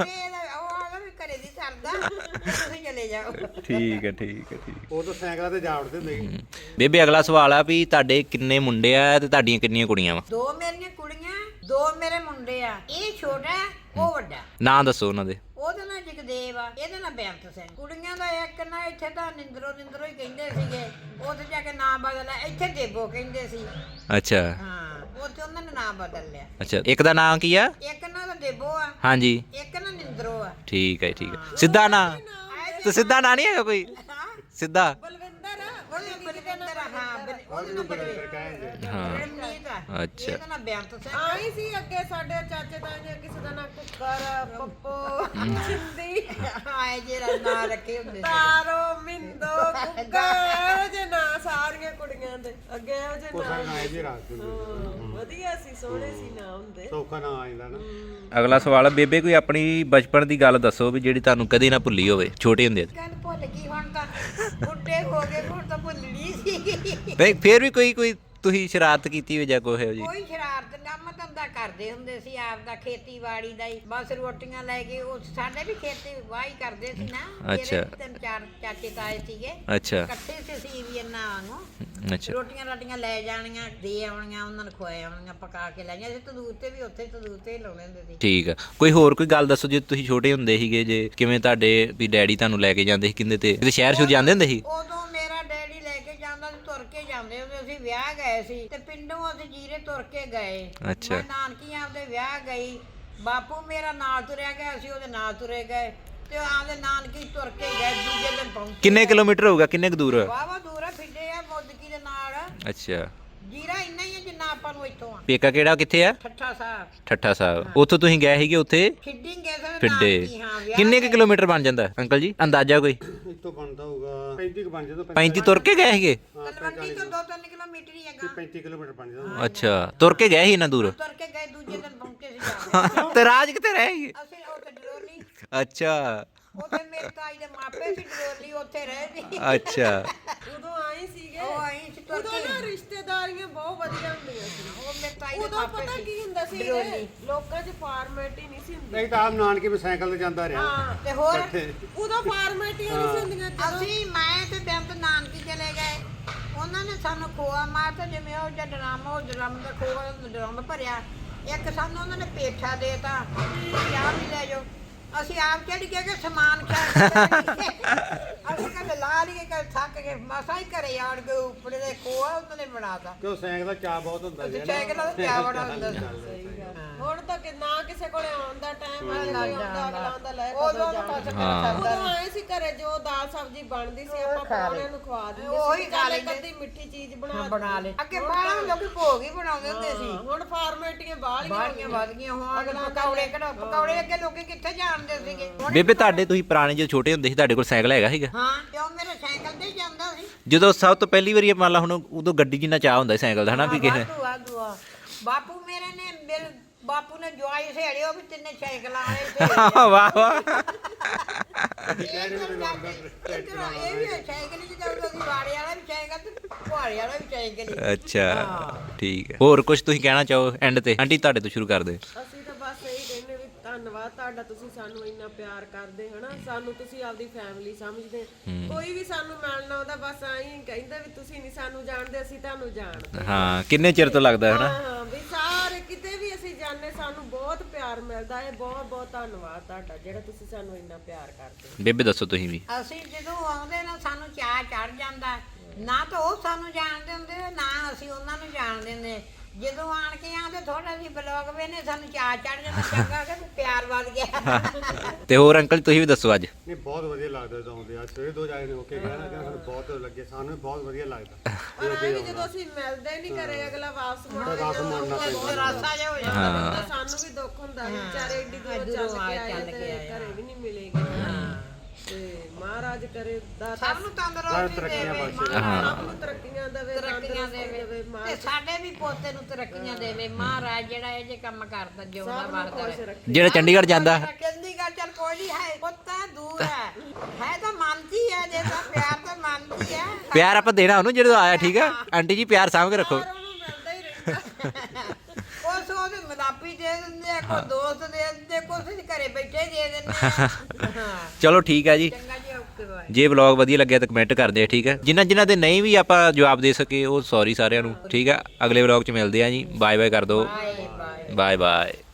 [SPEAKER 1] ਉਹ ਆਦਾ ਵੀ ਘਰੇ ਨਹੀਂ ਸਰਦਾ ਤੁਸੀਂ ਚਲੇ ਜਾਓ
[SPEAKER 2] ਠੀਕ ਹੈ ਠੀਕ ਹੈ ਠੀਕ
[SPEAKER 4] ਉਹ ਤਾਂ ਸਾਈਕਲਾਂ ਤੇ ਜਾ ਵੜਦੇ ਹੁੰਦੇ ਸੀ।
[SPEAKER 2] ਬੇਬੇ ਅਗਲਾ ਸਵਾਲ ਆ ਵੀ ਤੁਹਾਡੇ ਕਿੰਨੇ ਮੁੰਡੇ ਆ ਤੇ ਤੁਹਾਡੀਆਂ ਕਿੰਨੀਆਂ ਕੁੜੀਆਂ ਵਾ
[SPEAKER 1] 2 ਮੇਰੀਆਂ ਕੁੜੀਆਂ 2 ਮੇਰੇ ਮੁੰਡੇ ਆ ਇਹ ਛੋਟਾ ਉਹ ਵੱਡਾ
[SPEAKER 2] ਨਾਂ ਦੱਸੋ ਉਹਨਾਂ ਦੇ
[SPEAKER 1] ਉਹਦਾ ਨਾਂ ਜਗਦੇਵ ਆ ਇਹਦਾ ਨਾਂ ਬੇਅੰਤ ਸਿੰਘ ਕੁੜੀਆਂ ਦਾ ਇੱਕ ਨਾ ਇੱਥੇ ਤਾਂ ਨਿੰਦਰੋ ਹੀ ਕਹਿੰਦੇ ਸੀਗੇ ਉੱਥੇ ਜਾ ਕੇ ਨਾਂ ਬਦਲਿਆ ਇੱਥੇ ਦੇਬੋ ਕਹਿੰਦੇ ਸੀ
[SPEAKER 2] ਅੱਛਾ
[SPEAKER 1] ਹਾਂ ਉੱਥੇ ਉਹਨਾਂ ਨੇ ਨਾਂ ਬਦਲ ਲਿਆ
[SPEAKER 2] ਅੱਛਾ ਇੱਕ ਦਾ ਨਾਂ ਕੀ ਆ
[SPEAKER 1] ਇੱਕ ਨਾਂ ਤਾਂ ਦੇਬੋ ਆ
[SPEAKER 2] ਹਾਂਜੀ
[SPEAKER 1] ਇੱਕ ਨਾਂ ਨਿੰਦਰੋ ਆ
[SPEAKER 2] ਠੀਕ ਹੈ ਠੀਕ ਹੈ ਸਿੱਧਾ ਨਾਂ ਤੇ ਸਿੱਧਾ ਨਾਂ ਨਹੀਂ ਹੈਗਾ ਕੋਈ
[SPEAKER 1] ਹਾਂ
[SPEAKER 2] ਸਿੱਧਾ
[SPEAKER 1] ਬਲਵਿੰਦਰ ਆ ਉਹਦੇ ਬਲਵਿੰਦਰ ਆ ਹਾਂ ਉਹਦੇ ਨਾਂ ਬਲਵਿੰਦਰ
[SPEAKER 4] ਕਹਿੰਦੇ
[SPEAKER 2] ਹਾਂ
[SPEAKER 1] ਰਮਨੀਤ ਆ
[SPEAKER 2] ਅੱਛਾ
[SPEAKER 1] ਇਹਦਾ ਨਾਂ ਬੇਅੰਤ ਸਿੰਘ
[SPEAKER 3] ਆਈ ਸੀ ਅੱਗੇ ਸਾਡੇ ਚਾਚੇ ਤਾਏ ਕਿਸੇ ਦਾ ਨਾਂ ਕੁੱਕਰ ਪੱਪੋ ਚਿੰਦੀ
[SPEAKER 1] ਆਏ ਜਿਹੜਾ ਨਾਂ ਰੱਖੇ ਹੁੰਦੇ ਸੀ
[SPEAKER 3] ਤਾਰੋ ਮਿੰਦੋ ਕੁੱਕਰ ਇਹੋ ਜਿਹੇ ਨਾਂ ਸਾਰੀਆਂ ਕੁੜੀਆਂ ਦੇ ਅੱਗੇ ਇਹੋ ਜਿਹੇ
[SPEAKER 4] ਕੋਸਾ
[SPEAKER 3] ਨਾਂ
[SPEAKER 4] ਨਾ ਆਏ ਜੀ ਰਾਤ ਨੂੰ
[SPEAKER 3] ਵਧੀਆ ਸੀ ਸੋਹਣੇ ਸੀ ਨਾਂ ਹੁੰਦੇ
[SPEAKER 4] ਸੌਖਾ ਨਾ ਆ ਜਾਂਦਾ ਨਾ।
[SPEAKER 2] ਅਗਲਾ ਸਵਾਲ ਆ ਬੇਬੇ ਕੋਈ ਆਪਣੀ ਬਚਪਨ ਦੀ ਗੱਲ ਦੱਸੋ ਵੀ ਜਿਹੜੀ ਤੁਹਾਨੂੰ ਕਦੇ ਨਾ ਭੁੱਲੀ ਹੋਵੇ ਛੋਟੇ ਹੁੰਦੇ
[SPEAKER 1] ਗੱਲ ਭੁੱਲ ਗਈ ਹੁਣ ਤਾਂ ਬੁੱਢੇ ਹੋ ਗਏ ਹੁਣ ਤਾਂ ਭੁੱਲਣੀ ਸੀ
[SPEAKER 2] ਬਈ ਫੇਰ ਵੀ ਕੋਈ ਤੁਸੀਂ ਸ਼ਰਾਰਤ ਕੀਤੀ ਹੋਵੇ ਜਾਂ ਕੋਈ ਇਹੋ ਜੀ
[SPEAKER 1] ਕੋਈ ਸ਼ਰਾਰਤ ਕੰਮ ਧੰਦਾ ਕਰਦੇ ਹੁੰਦੇ ਸੀ ਆਪ ਦਾ ਖੇਤੀਬਾੜੀ ਦਾ ਹੀ ਬਸ ਰੋਟੀਆਂ ਲੈ ਕੇ ਉਹ ਸਾਡੇ ਵੀ ਖੇਤੀ ਵਾਹੀ ਕਰਦੇ ਸੀ ਨਾ ਮੇਰੇ
[SPEAKER 2] ਅੱਛਾ।
[SPEAKER 1] ਵੀ 3-4 ਚਾਚੇ ਤਾਏ ਸੀਗੇ
[SPEAKER 2] ਅੱਛਾ
[SPEAKER 1] ਇਕੱਠੇ ਸੀ ਅਸੀਂ ਵੀ ਇਹਨਾਂ ਵਾਂਗੂ
[SPEAKER 2] ਅੱਛਾ
[SPEAKER 1] ਰੋਟੀਆਂ ਰਾਟੀਆਂ ਲੈ ਜਾਣੀਆਂ ਦੇ ਆਉਣੀਆਂ ਉਹਨਾਂ ਨੂੰ ਖਵਾਏ ਆਉਣੀਆਂ ਪਕਾ ਕੇ ਲੈ ਜਾਣੀਆਂ ਅਸੀਂ ਤੰਦੂਰ ਤੇ ਵੀ ਉੱਥੇ ਤੰਦੂਰ ਤੇ ਹੀ ਲਾਉਣੇ ਹੁੰਦੇ ਸੀ
[SPEAKER 2] ਠੀਕ ਆ ਕੋਈ ਹੋਰ ਕੋਈ ਗੱਲ ਦੱਸੋ ਜੇ ਤੁਸੀਂ ਛੋਟੇ ਹੁੰਦੇ ਸੀਗੇ ਜੇ ਕਿਵੇਂ ਤੁਹਾਡੇ ਵੀ ਡੈਡੀ ਤੁਹਾਨੂੰ ਲੈ ਕੇ ਜਾਂਦੇ ਸੀ ਕਿੰਦੇ ਤੇ ਕਿਤੇ ਸ਼ਹਿਰ ਸ਼ੁਰ ਜਾਂਦੇ ਹੁੰਦੇ ਸੀ
[SPEAKER 1] ਉਦੋਂ ਮੇਰਾ ਡੈਡੀ ਲੈ ਕੇ ਜਾਂਦਾ ਸੀ ਤੁਰ ਕੇ ਜਾਂਦੇ ਹੁੰਦੇ ਅਸੀਂ ਵਿਆਹ ਗਏ ਸੀ ਤੇ ਪਿੰਡੋਂ ਅਸੀਂ ਜੀਰੇ ਤੁਰ ਕੇ ਗਏ
[SPEAKER 2] ਅੱਛਾ।
[SPEAKER 1] ਮੈਂ ਨਾਨਕੀਆਂ ਆਪਦੇ ਵਿਆਹ ਗਈ ਬਾਪੂ ਮੇਰਾ ਨਾਲ ਤੁਰਿਆ ਗਿਆ ਅਸੀਂ ਉਹਦੇ ਨਾਲ ਤੁਰੇ ਗਏ ਤੇ ਆਪਦੇ ਨਾਨਕੀ ਤੁਰ ਕੇ ਗਏ ਦੂਜੇ ਦਿਨ ਪਹੁੰਚੇ
[SPEAKER 2] ਕਿੰਨੇ ਕਿਲੋਮੀਟਰ ਹੋਊਗਾ ਕਿੰਨੇ ਕੁ ਦੂਰ
[SPEAKER 1] ਵਾਵਾ ਦੂਰ ਆ ਫਿੱਡੇ ਆ ਮੋਦਕੀ ਦੇ ਨਾਲ
[SPEAKER 2] ਅੱਛਾ
[SPEAKER 1] ਜੀਰਾ ਇੰਨਾ ਹੀ ਆ ਜਿੰਨਾ ਆਪਾਂ ਨੂੰ ਇੱਥੋਂ ਆ
[SPEAKER 2] ਪੇਕਾ ਕਿਹੜਾ ਕਿੱਥੇ ਆ
[SPEAKER 1] ਠੱਠਾ ਸਾਹਿਬ
[SPEAKER 2] ਠੱਠਾ ਸਾਹਿਬ ਉੱਥੋਂ ਤੁਸੀਂ ਗਏ ਸੀਗੇ ਉੱਥੇ
[SPEAKER 1] ਫਿੱਡਿੰਗ ਗਏ ਸੀ
[SPEAKER 2] ਫਿੱਡੇ
[SPEAKER 1] ਨਾਨਕੀ, ਹਾਂ, ਵਿਆਹ
[SPEAKER 2] ਕਿੰਨੇ ਕੁ
[SPEAKER 1] ਗਏ।
[SPEAKER 2] ਕਿਲੋਮੀਟਰ ਬਣ ਜਾਂਦਾ ਅੰਕਲ ਜੀ ਅੰਦਾਜ਼ਾ ਕੋਈ
[SPEAKER 4] ਇੱਥੋਂ ਬਣਦਾ ਹੋਊਗਾ 35 ਕੁ ਬਣ ਜਾਂਦਾ
[SPEAKER 2] 35 ਤੁਰ ਕੇ ਗਏ ਸੀਗੇ
[SPEAKER 1] ਤਲਵੰਡੀ ਤੋਂ 2-3 ਕਿਲੋਮੀਟਰ ਹੀ ਹੈਗਾ
[SPEAKER 4] 35 ਕਿਲੋਮੀਟਰ ਬਣ ਜਾਂਦਾ
[SPEAKER 2] ਅੱਛਾ ਤੁਰ ਕੇ ਗਏ ਸੀ ਇੰਨਾ ਦੂਰ
[SPEAKER 1] ਤੁਰ ਕੇ ਗਏ ਦੂਜੇ ਦਿਨ ਪਹੁੰਚੇ ਸੀ ਜਾ ਕੇ।
[SPEAKER 2] ਤੇ ਰਾਜ ਕਿੱਥੇ ਰਹਿ ਗਏ
[SPEAKER 1] ਅਸੀਂ ਉੱਥੇ ਡਰੋਲੀ
[SPEAKER 2] ਅੱਛਾ
[SPEAKER 1] ਉੱਥੇ ਮੇਰੇ ਤਾਈ ਦੇ ਮਾਪੇ ਸੀ ਡਰੋਲੀ ਉੱਥੇ ਰਹੇ ਸੀ
[SPEAKER 2] ਅੱਛਾ
[SPEAKER 3] ਉਦੋਂ ਆਏ ਸੀਗੇ
[SPEAKER 1] ਉਹ ਆਈ ਸੀ ਤੁਰ
[SPEAKER 3] ਉਦੋਂ
[SPEAKER 1] ਕੇ
[SPEAKER 3] ਨਾ ਰਿਸ਼ਤੇਦਾਰੀਆਂ ਬਹੁਤ ਵਧੀਆ ਹੁੰਦੀਆਂ ਸੀ
[SPEAKER 1] ਉਹ ਮੇਰੇ ਤਾਈ ਦੇ
[SPEAKER 3] ਉਦੋਂ
[SPEAKER 1] ਮਾਪੇ
[SPEAKER 3] ਪਤਾ
[SPEAKER 1] ਸੀ
[SPEAKER 3] ਕੀ ਹੁੰਦਾ ਸੀ
[SPEAKER 1] ਡਰੋਲੀ।
[SPEAKER 3] ਲੋਕਾਂ 'ਚ ਫਾਰਮੈਲਿਟੀ ਨਹੀਂ ਸੀ ਹੁੰਦੀ
[SPEAKER 4] ਨਹੀਂ ਤਾਂ ਆਪ ਨਾਨਕੇ ਵੀ ਸਾਈਕਲ ਤੇ ਜਾਂਦਾ ਰਿਹਾ
[SPEAKER 3] ਹਾਂ
[SPEAKER 1] ਤੇ ਹੋਰ
[SPEAKER 4] ਇੱਥੇ
[SPEAKER 3] ਉਦੋਂ ਫਾਰਮੈਲਿਟੀਆਂ ਨਹੀਂ ਸੀ ਹੁੰਦੀਆਂ ਜਦੋਂ
[SPEAKER 1] ਅਸੀਂ ਮੈਂ ਤੇ ਬੇਅੰਤ ਨਾਨਕੀ ਚਲੇ ਗਏ ਉਹਨਾਂ ਨੇ ਸਾਨੂੰ ਖੋਆ ਮਾਰਤਾ ਜਿਵੇਂ ਉਹ ਜਿਹਾ ਡਰਮ ਦਾ ਖੋਆ ਡਰਮ ਭਰਿਆ ਇੱਕ ਸਾਨੂੰ ਉਹਨਾਂ ਨੇ ਪੇਠਾ ਦੇਤਾ ਤੁਸੀਂ ਆਪ ਹੀ ਲੈ ਜਾਓ ਅਸੀਂ ਆਪ ਚੜ ਕੇ ਕਿ ਸਮਾਨ ਅਸੀਂ ਕਹਿੰਦੇ ਲਾ ਲਈਏ ਕਿ ਥੱਕ ਕੇ ਮਸਾ ਹੀ ਘਰੇ ਆੜ ਗਏ ਉੱਪਰ ਦੇ ਖੋਆ ਉਹਨਾਂ ਨੇ ਬਣਾਤਾ
[SPEAKER 4] ਕਿਉਂ ਸਾਈਕਲ ਦਾ ਚਾਹ ਬਹੁਤ ਹੁੰਦਾ ਸੀ ਨਾ।
[SPEAKER 1] ਸਾਈਕਲ ਦਾ ਚਾਹ ਬੜਾ ਹੁੰਦਾ ਸੀ
[SPEAKER 3] ਹੁਣ ਤਾਂ ਨਾ ਕਿਸੇ ਕੋਲੇ ਆਉਣ ਦਾ ਟਾਈਮ ਆ
[SPEAKER 1] ਲੱਗ
[SPEAKER 3] ਜਾਂਦਾ ਅਗਲਾ ਆਉਂਦਾ ਲੈ
[SPEAKER 1] ਉਦੋਂ ਤਾਂ ਕੁਛ
[SPEAKER 2] ਹਾਂ।
[SPEAKER 3] ਉਦੋਂ ਆਏ ਸੀ ਘਰੇ ਜੋ ਦਾਲ ਸਬਜ਼ੀ ਬਣਦੀ ਸੀ ਆਪਾਂ ਪਰੌਣਿਆਂ ਨੂੰ ਖਵਾ ਦਿੰਦੇ
[SPEAKER 1] ਉਹੀ
[SPEAKER 3] ਸੀ
[SPEAKER 1] ਖਾ
[SPEAKER 3] ਚੱਲ
[SPEAKER 1] ਲੈਂਦੇ।
[SPEAKER 3] ਇੱਕ ਅੱਧੀ ਮਿੱਠੀ ਚੀਜ਼ ਬਣਾ
[SPEAKER 1] ਬਣਾ ਲੈ ਅੱਗੇ ਬਾਹਰ ਲੋਕੀ ਭੋਗ ਹੀ ਬਣਾਉਂਦੇ ਹੁੰਦੇ ਸੀ
[SPEAKER 3] ਹੁਣ ਫਾਰਮੈਲਿਟੀਆਂ ਬਾਹਲੀਆਂ
[SPEAKER 1] ਬਾਹਰੀਆਂ ਵੱਧ ਗਈਆਂ ਹੁਣ ਪਕੌੜੇ ਕਿਹੜਾ ਪਕੌੜੇ ਅੱਗੇ ਲੋਕੀ ਕਿੱਥੇ ਜਾਣਦੇ ਸੀਗੇ
[SPEAKER 2] ਬੇਬੇ ਤੁਹਾਡੇ ਤੁਸੀਂ ਪੁਰਾਣੇ ਜਦੋਂ ਛੋਟੇ ਹੁੰਦੇ ਸੀ ਤੁਹਾਡੇ ਕੋਲ ਸਾਈਕਲ ਹੈਗਾ ਸੀਗਾ
[SPEAKER 1] ਹਾਂ ਕਿਉਂ ਮੇਰੇ ਸਾਈਕਲ ਤੇ ਹੀ ਜਾਂਦਾ ਸੀ
[SPEAKER 2] ਜਦੋਂ ਸਭ ਤੋਂ ਪਹਿਲੀ ਵਾਰੀ ਮੰਨ ਲਾ ਹੁਣ ਉਦੋਂ ਗੱਡੀ ਜਿੰਨਾ ਚਾਹ ਹੁੰਦਾ ਸੀ ਸਾਈਕਲ ਦਾ ਹਨਾ ਵੀ ਕਿਸੇ
[SPEAKER 1] ਵਾਧੂ ਆ। ਬਾਪੂ ਮੇਰੇ ਬਾਪੂ ਨੇ ਜਵਾਈ ਸਹੇੜੇ ਉਹ ਵੀ ਤਿੰਨੇ ਸਾਈਕਲਾਂ ਵਾਲੇ
[SPEAKER 2] ਵਾਹ ਵਾਹ
[SPEAKER 1] ਇਹ ਵੀ ਸਾਈਕਲ ਹੀ ਚੱਲਦਾ ਸੀ ਬਾੜੇ ਵਾਲਾ ਵੀ ਸਾਈਕਲ ਤੇ ਪੁਆੜੇ ਵਾਲਾ ਵੀ ਸਾਈਕਲ ਹੀ
[SPEAKER 2] ਅੱਛਾ ਠੀਕ ਹੈ ਹੋਰ ਕੁਝ ਤੁਸੀਂ ਕਹਿਣਾ ਚਾਹੋ ਐਂਡ ਤੇ ਆਂਟੀ ਤੁਹਾਡੇ ਤੋਂ ਸ਼ੁਰੂ ਕਰਦੇ
[SPEAKER 3] ਅਸੀਂ ਤਾਂ ਬਸ ਇਹੀ ਕਹਿੰਦੇ ਵੀ ਧੰਨਵਾਦ ਤੁਹਾਡਾ ਤੁਸੀਂ ਸਾਨੂੰ ਇੰਨਾ ਪਿਆਰ ਕਰਦੇ ਹਨਾ ਸਾਨੂੰ ਤੁਸੀਂ ਆਪਦੀ ਫੈਮਿਲੀ ਸਮਝਦੇ ਕੋਈ ਵੀ ਸਾਨੂੰ ਮਿਲਣ ਆਉਂਦਾ ਬਸ ਐਂ ਕਹਿੰਦਾ ਵੀ ਤੁਸੀਂ ਨਹੀਂ ਸਾਨੂੰ ਜਾਣਦੇ ਅਸੀਂ ਤੁਹਾਨੂੰ ਜਾਣਦੇ
[SPEAKER 2] ਹਾਂ ਕਿੰਨੇ ਚਿਰ ਤੋਂ ਲੱਗਦਾ ਹੈ ਨਾ
[SPEAKER 3] ਹਾਂ ਵੀ ਸਾਰੇ ਕਿਤੇ ਵੀ ਅਸੀਂ ਜਾਂਦੇ ਸਾਨੂੰ ਬਹੁਤ ਪਿਆਰ ਮਿਲਦਾ ਹੈ ਬਹੁਤ ਬਹੁਤ ਧੰਨਵਾਦ ਤੁਹਾਡਾ ਜਿਹੜਾ ਤੁਸੀਂ ਸਾਨੂੰ ਇੰਨਾ ਪਿਆਰ ਕਰਦੇ ਹੋ।
[SPEAKER 2] ਬੇਬੇ ਦੱਸੋ ਤੁਸੀਂ ਵੀ
[SPEAKER 1] ਅਸੀਂ ਜਦੋਂ ਆਉਂਦੇ ਨਾ ਸਾਨੂੰ ਚਾਹ ਚੜ ਜਾਂਦਾ ਨਾ ਤਾਂ ਉਹ ਸਾਨੂੰ ਜਾਣਦੇ ਹੁੰਦੇ ਨਾ ਅਸੀਂ ਉਹਨਾਂ ਨੂੰ ਜਾਣਦੇ ਹੁੰਦੇ ਜਦੋਂ ਆਣ ਕੇ ਆਉਂਦੇ ਥੋੜਾ ਜਿਹੀ ਬਲੌਗ ਵੇਨੇ ਸਾਨੂੰ ਚਾਹ ਚੜ ਜਾਂਦਾ ਚੰਗਾ ਕਿ ਪਿਆਰ ਵੱਧ ਗਿਆ
[SPEAKER 2] ਤੇ ਹੋਰ ਅੰਕਲ ਤੁਸੀਂ ਵੀ ਦੱਸੋ ਅੱਜ
[SPEAKER 4] ਨਹੀਂ ਬਹੁਤ ਵਧੀਆ ਲੱਗਦਾ ਜਦੋਂ ਆਉਂਦੇ ਆ ਸਵੇਰੇ 2 ਜਾਣੇ ਹੋ ਕੇ ਗਏ ਨਾ ਕਿ ਸਾਨੂੰ ਬਹੁਤ ਲੱਗੇ ਸਾਨੂੰ ਵੀ ਬਹੁਤ ਵਧੀਆ ਲੱਗਦਾ
[SPEAKER 3] ਪਰ ਐਂ ਵੀ ਜਦੋਂ ਅਸੀਂ ਮਿਲਦੇ ਨਹੀਂ ਘਰੇ ਅਗਲਾ ਵਾਪਸ ਮੁੜ ਕੇ
[SPEAKER 4] ਵਾਪਸ ਮੁੜਨਾ ਪੈਂਦਾ।
[SPEAKER 1] ਰਾਸਾ ਜਿਹਾ ਹੋ ਜਾਂਦਾ
[SPEAKER 3] ਤਾਂ ਸਾਨੂੰ ਵੀ ਦੁੱਖ ਹੁੰਦਾ ਵੀ ਵਿਚਾਰੇ ਏਡੀ ਦੂਰ ਚੱਲ ਕੇ ਆਏ ਤੇ ਘਰੇ ਵੀ ਨਹੀਂ ਮਿਲੇਗੇ ਤੇ ਮਹਾਰਾਜ ਕਰੇ ਦਾਤਾ
[SPEAKER 1] ਸਭ ਨੂੰ ਤੰਦਰੁਸਤੀ
[SPEAKER 4] ਤਰੱਕੀਆਂ
[SPEAKER 1] ਦੇਵੇ
[SPEAKER 4] ਬਖਸ਼ੇ।
[SPEAKER 3] ਸਭ ਨੂੰ ਤਰੱਕੀਆਂ ਦੇਵੇ
[SPEAKER 1] ਤਰੱਕੀਆਂ
[SPEAKER 3] ਤੰਦਰੁਸਤੀ
[SPEAKER 1] ਦੇਵੇ
[SPEAKER 3] ਦੇਵੇ
[SPEAKER 1] ਤੇ ਸਾਡੇ ਵੀ ਪੋਤੇ ਨੂੰ ਤਰੱਕੀਆਂ ਦੇਵੇ ਮਹਾਰਾਜ ਜਿਹੜਾ ਇਹ ਜੇ ਕੰਮ ਕਰਦਾ ਜਿਉਂਦਾ
[SPEAKER 3] ਸਭ ਨੂੰ
[SPEAKER 1] ਵਰਦਾ
[SPEAKER 3] ਖੁਸ਼ ਰੱਖੇ।
[SPEAKER 2] ਜਿਹੜਾ ਚੰਡੀਗੜ੍ਹ ਜਾਂਦਾ
[SPEAKER 1] ਚੰਡੀਗੜ੍ਹ ਚੱਲ ਕੋਈ ਨਹੀਂ ਹੈ ਪੁੱਤਾਂ ਦੂਰ ਹੈ ਤਾਂ ਮਨ 'ਚ ਹੀ ਹੈ ਜੇ ਤਾਂ ਪਿਆਰ ਤਾਂ ਮਨ 'ਚ ਹੀ ਹੈ
[SPEAKER 2] ਪਿਆਰ ਆਪਾਂ ਦੇਣਾ ਉਹਨੂੰ ਜਦੋਂ ਆਇਆ ਠੀਕ ਆ ਆਂਟੀ ਜੀ ਪਿਆਰ ਸਾਂਭ ਕੇ ਰੱਖੋ
[SPEAKER 3] ਉਹਨੂੰ ਮਿਲਦਾ ਹੀ ਰਹਿੰਦਾ
[SPEAKER 1] ਕੁਛ ਉਹਦੇ ਮਦਾਪੀ ਦੇ ਦਿੰਦੇ ਆ ਕੋਈ ਦੋਸਤ ਦੇ ਦਿੰਦੇ ਕੁਛ ਘਰੇ ਬੈਠੇ ਦੇ ਦਿੰਦੇ ਆ ਹਾਂ
[SPEAKER 2] ਚਲੋ ਠੀਕ ਹੈ ਜੀ
[SPEAKER 1] ਚੰਗਾ ਜੀ ਓਕੇ ਬਾਏ
[SPEAKER 2] ਜੇ ਵਲੌਗ ਵਧੀਆ ਲੱਗਿਆ ਤਾਂ ਕਮੈਂਟ ਕਰਦੇ ਆ ਠੀਕ ਹੈ ਜਿਨ੍ਹਾਂ ਦੇ ਨਹੀਂ ਵੀ ਆਪਾਂ ਜਵਾਬ ਦੇ ਸਕੇ ਉਹ ਸੌਰੀ ਸਾਰਿਆਂ ਨੂੰ ਠੀਕ ਆ ਅਗਲੇ ਵਲੌਗ 'ਚ ਮਿਲਦੇ ਆ ਜੀ ਬਾਏ ਬਾਏ ਕਰ ਦਿਓ
[SPEAKER 1] ਬਾਏ ਬਾਏ
[SPEAKER 2] ਬਾਏ ਬਾਏ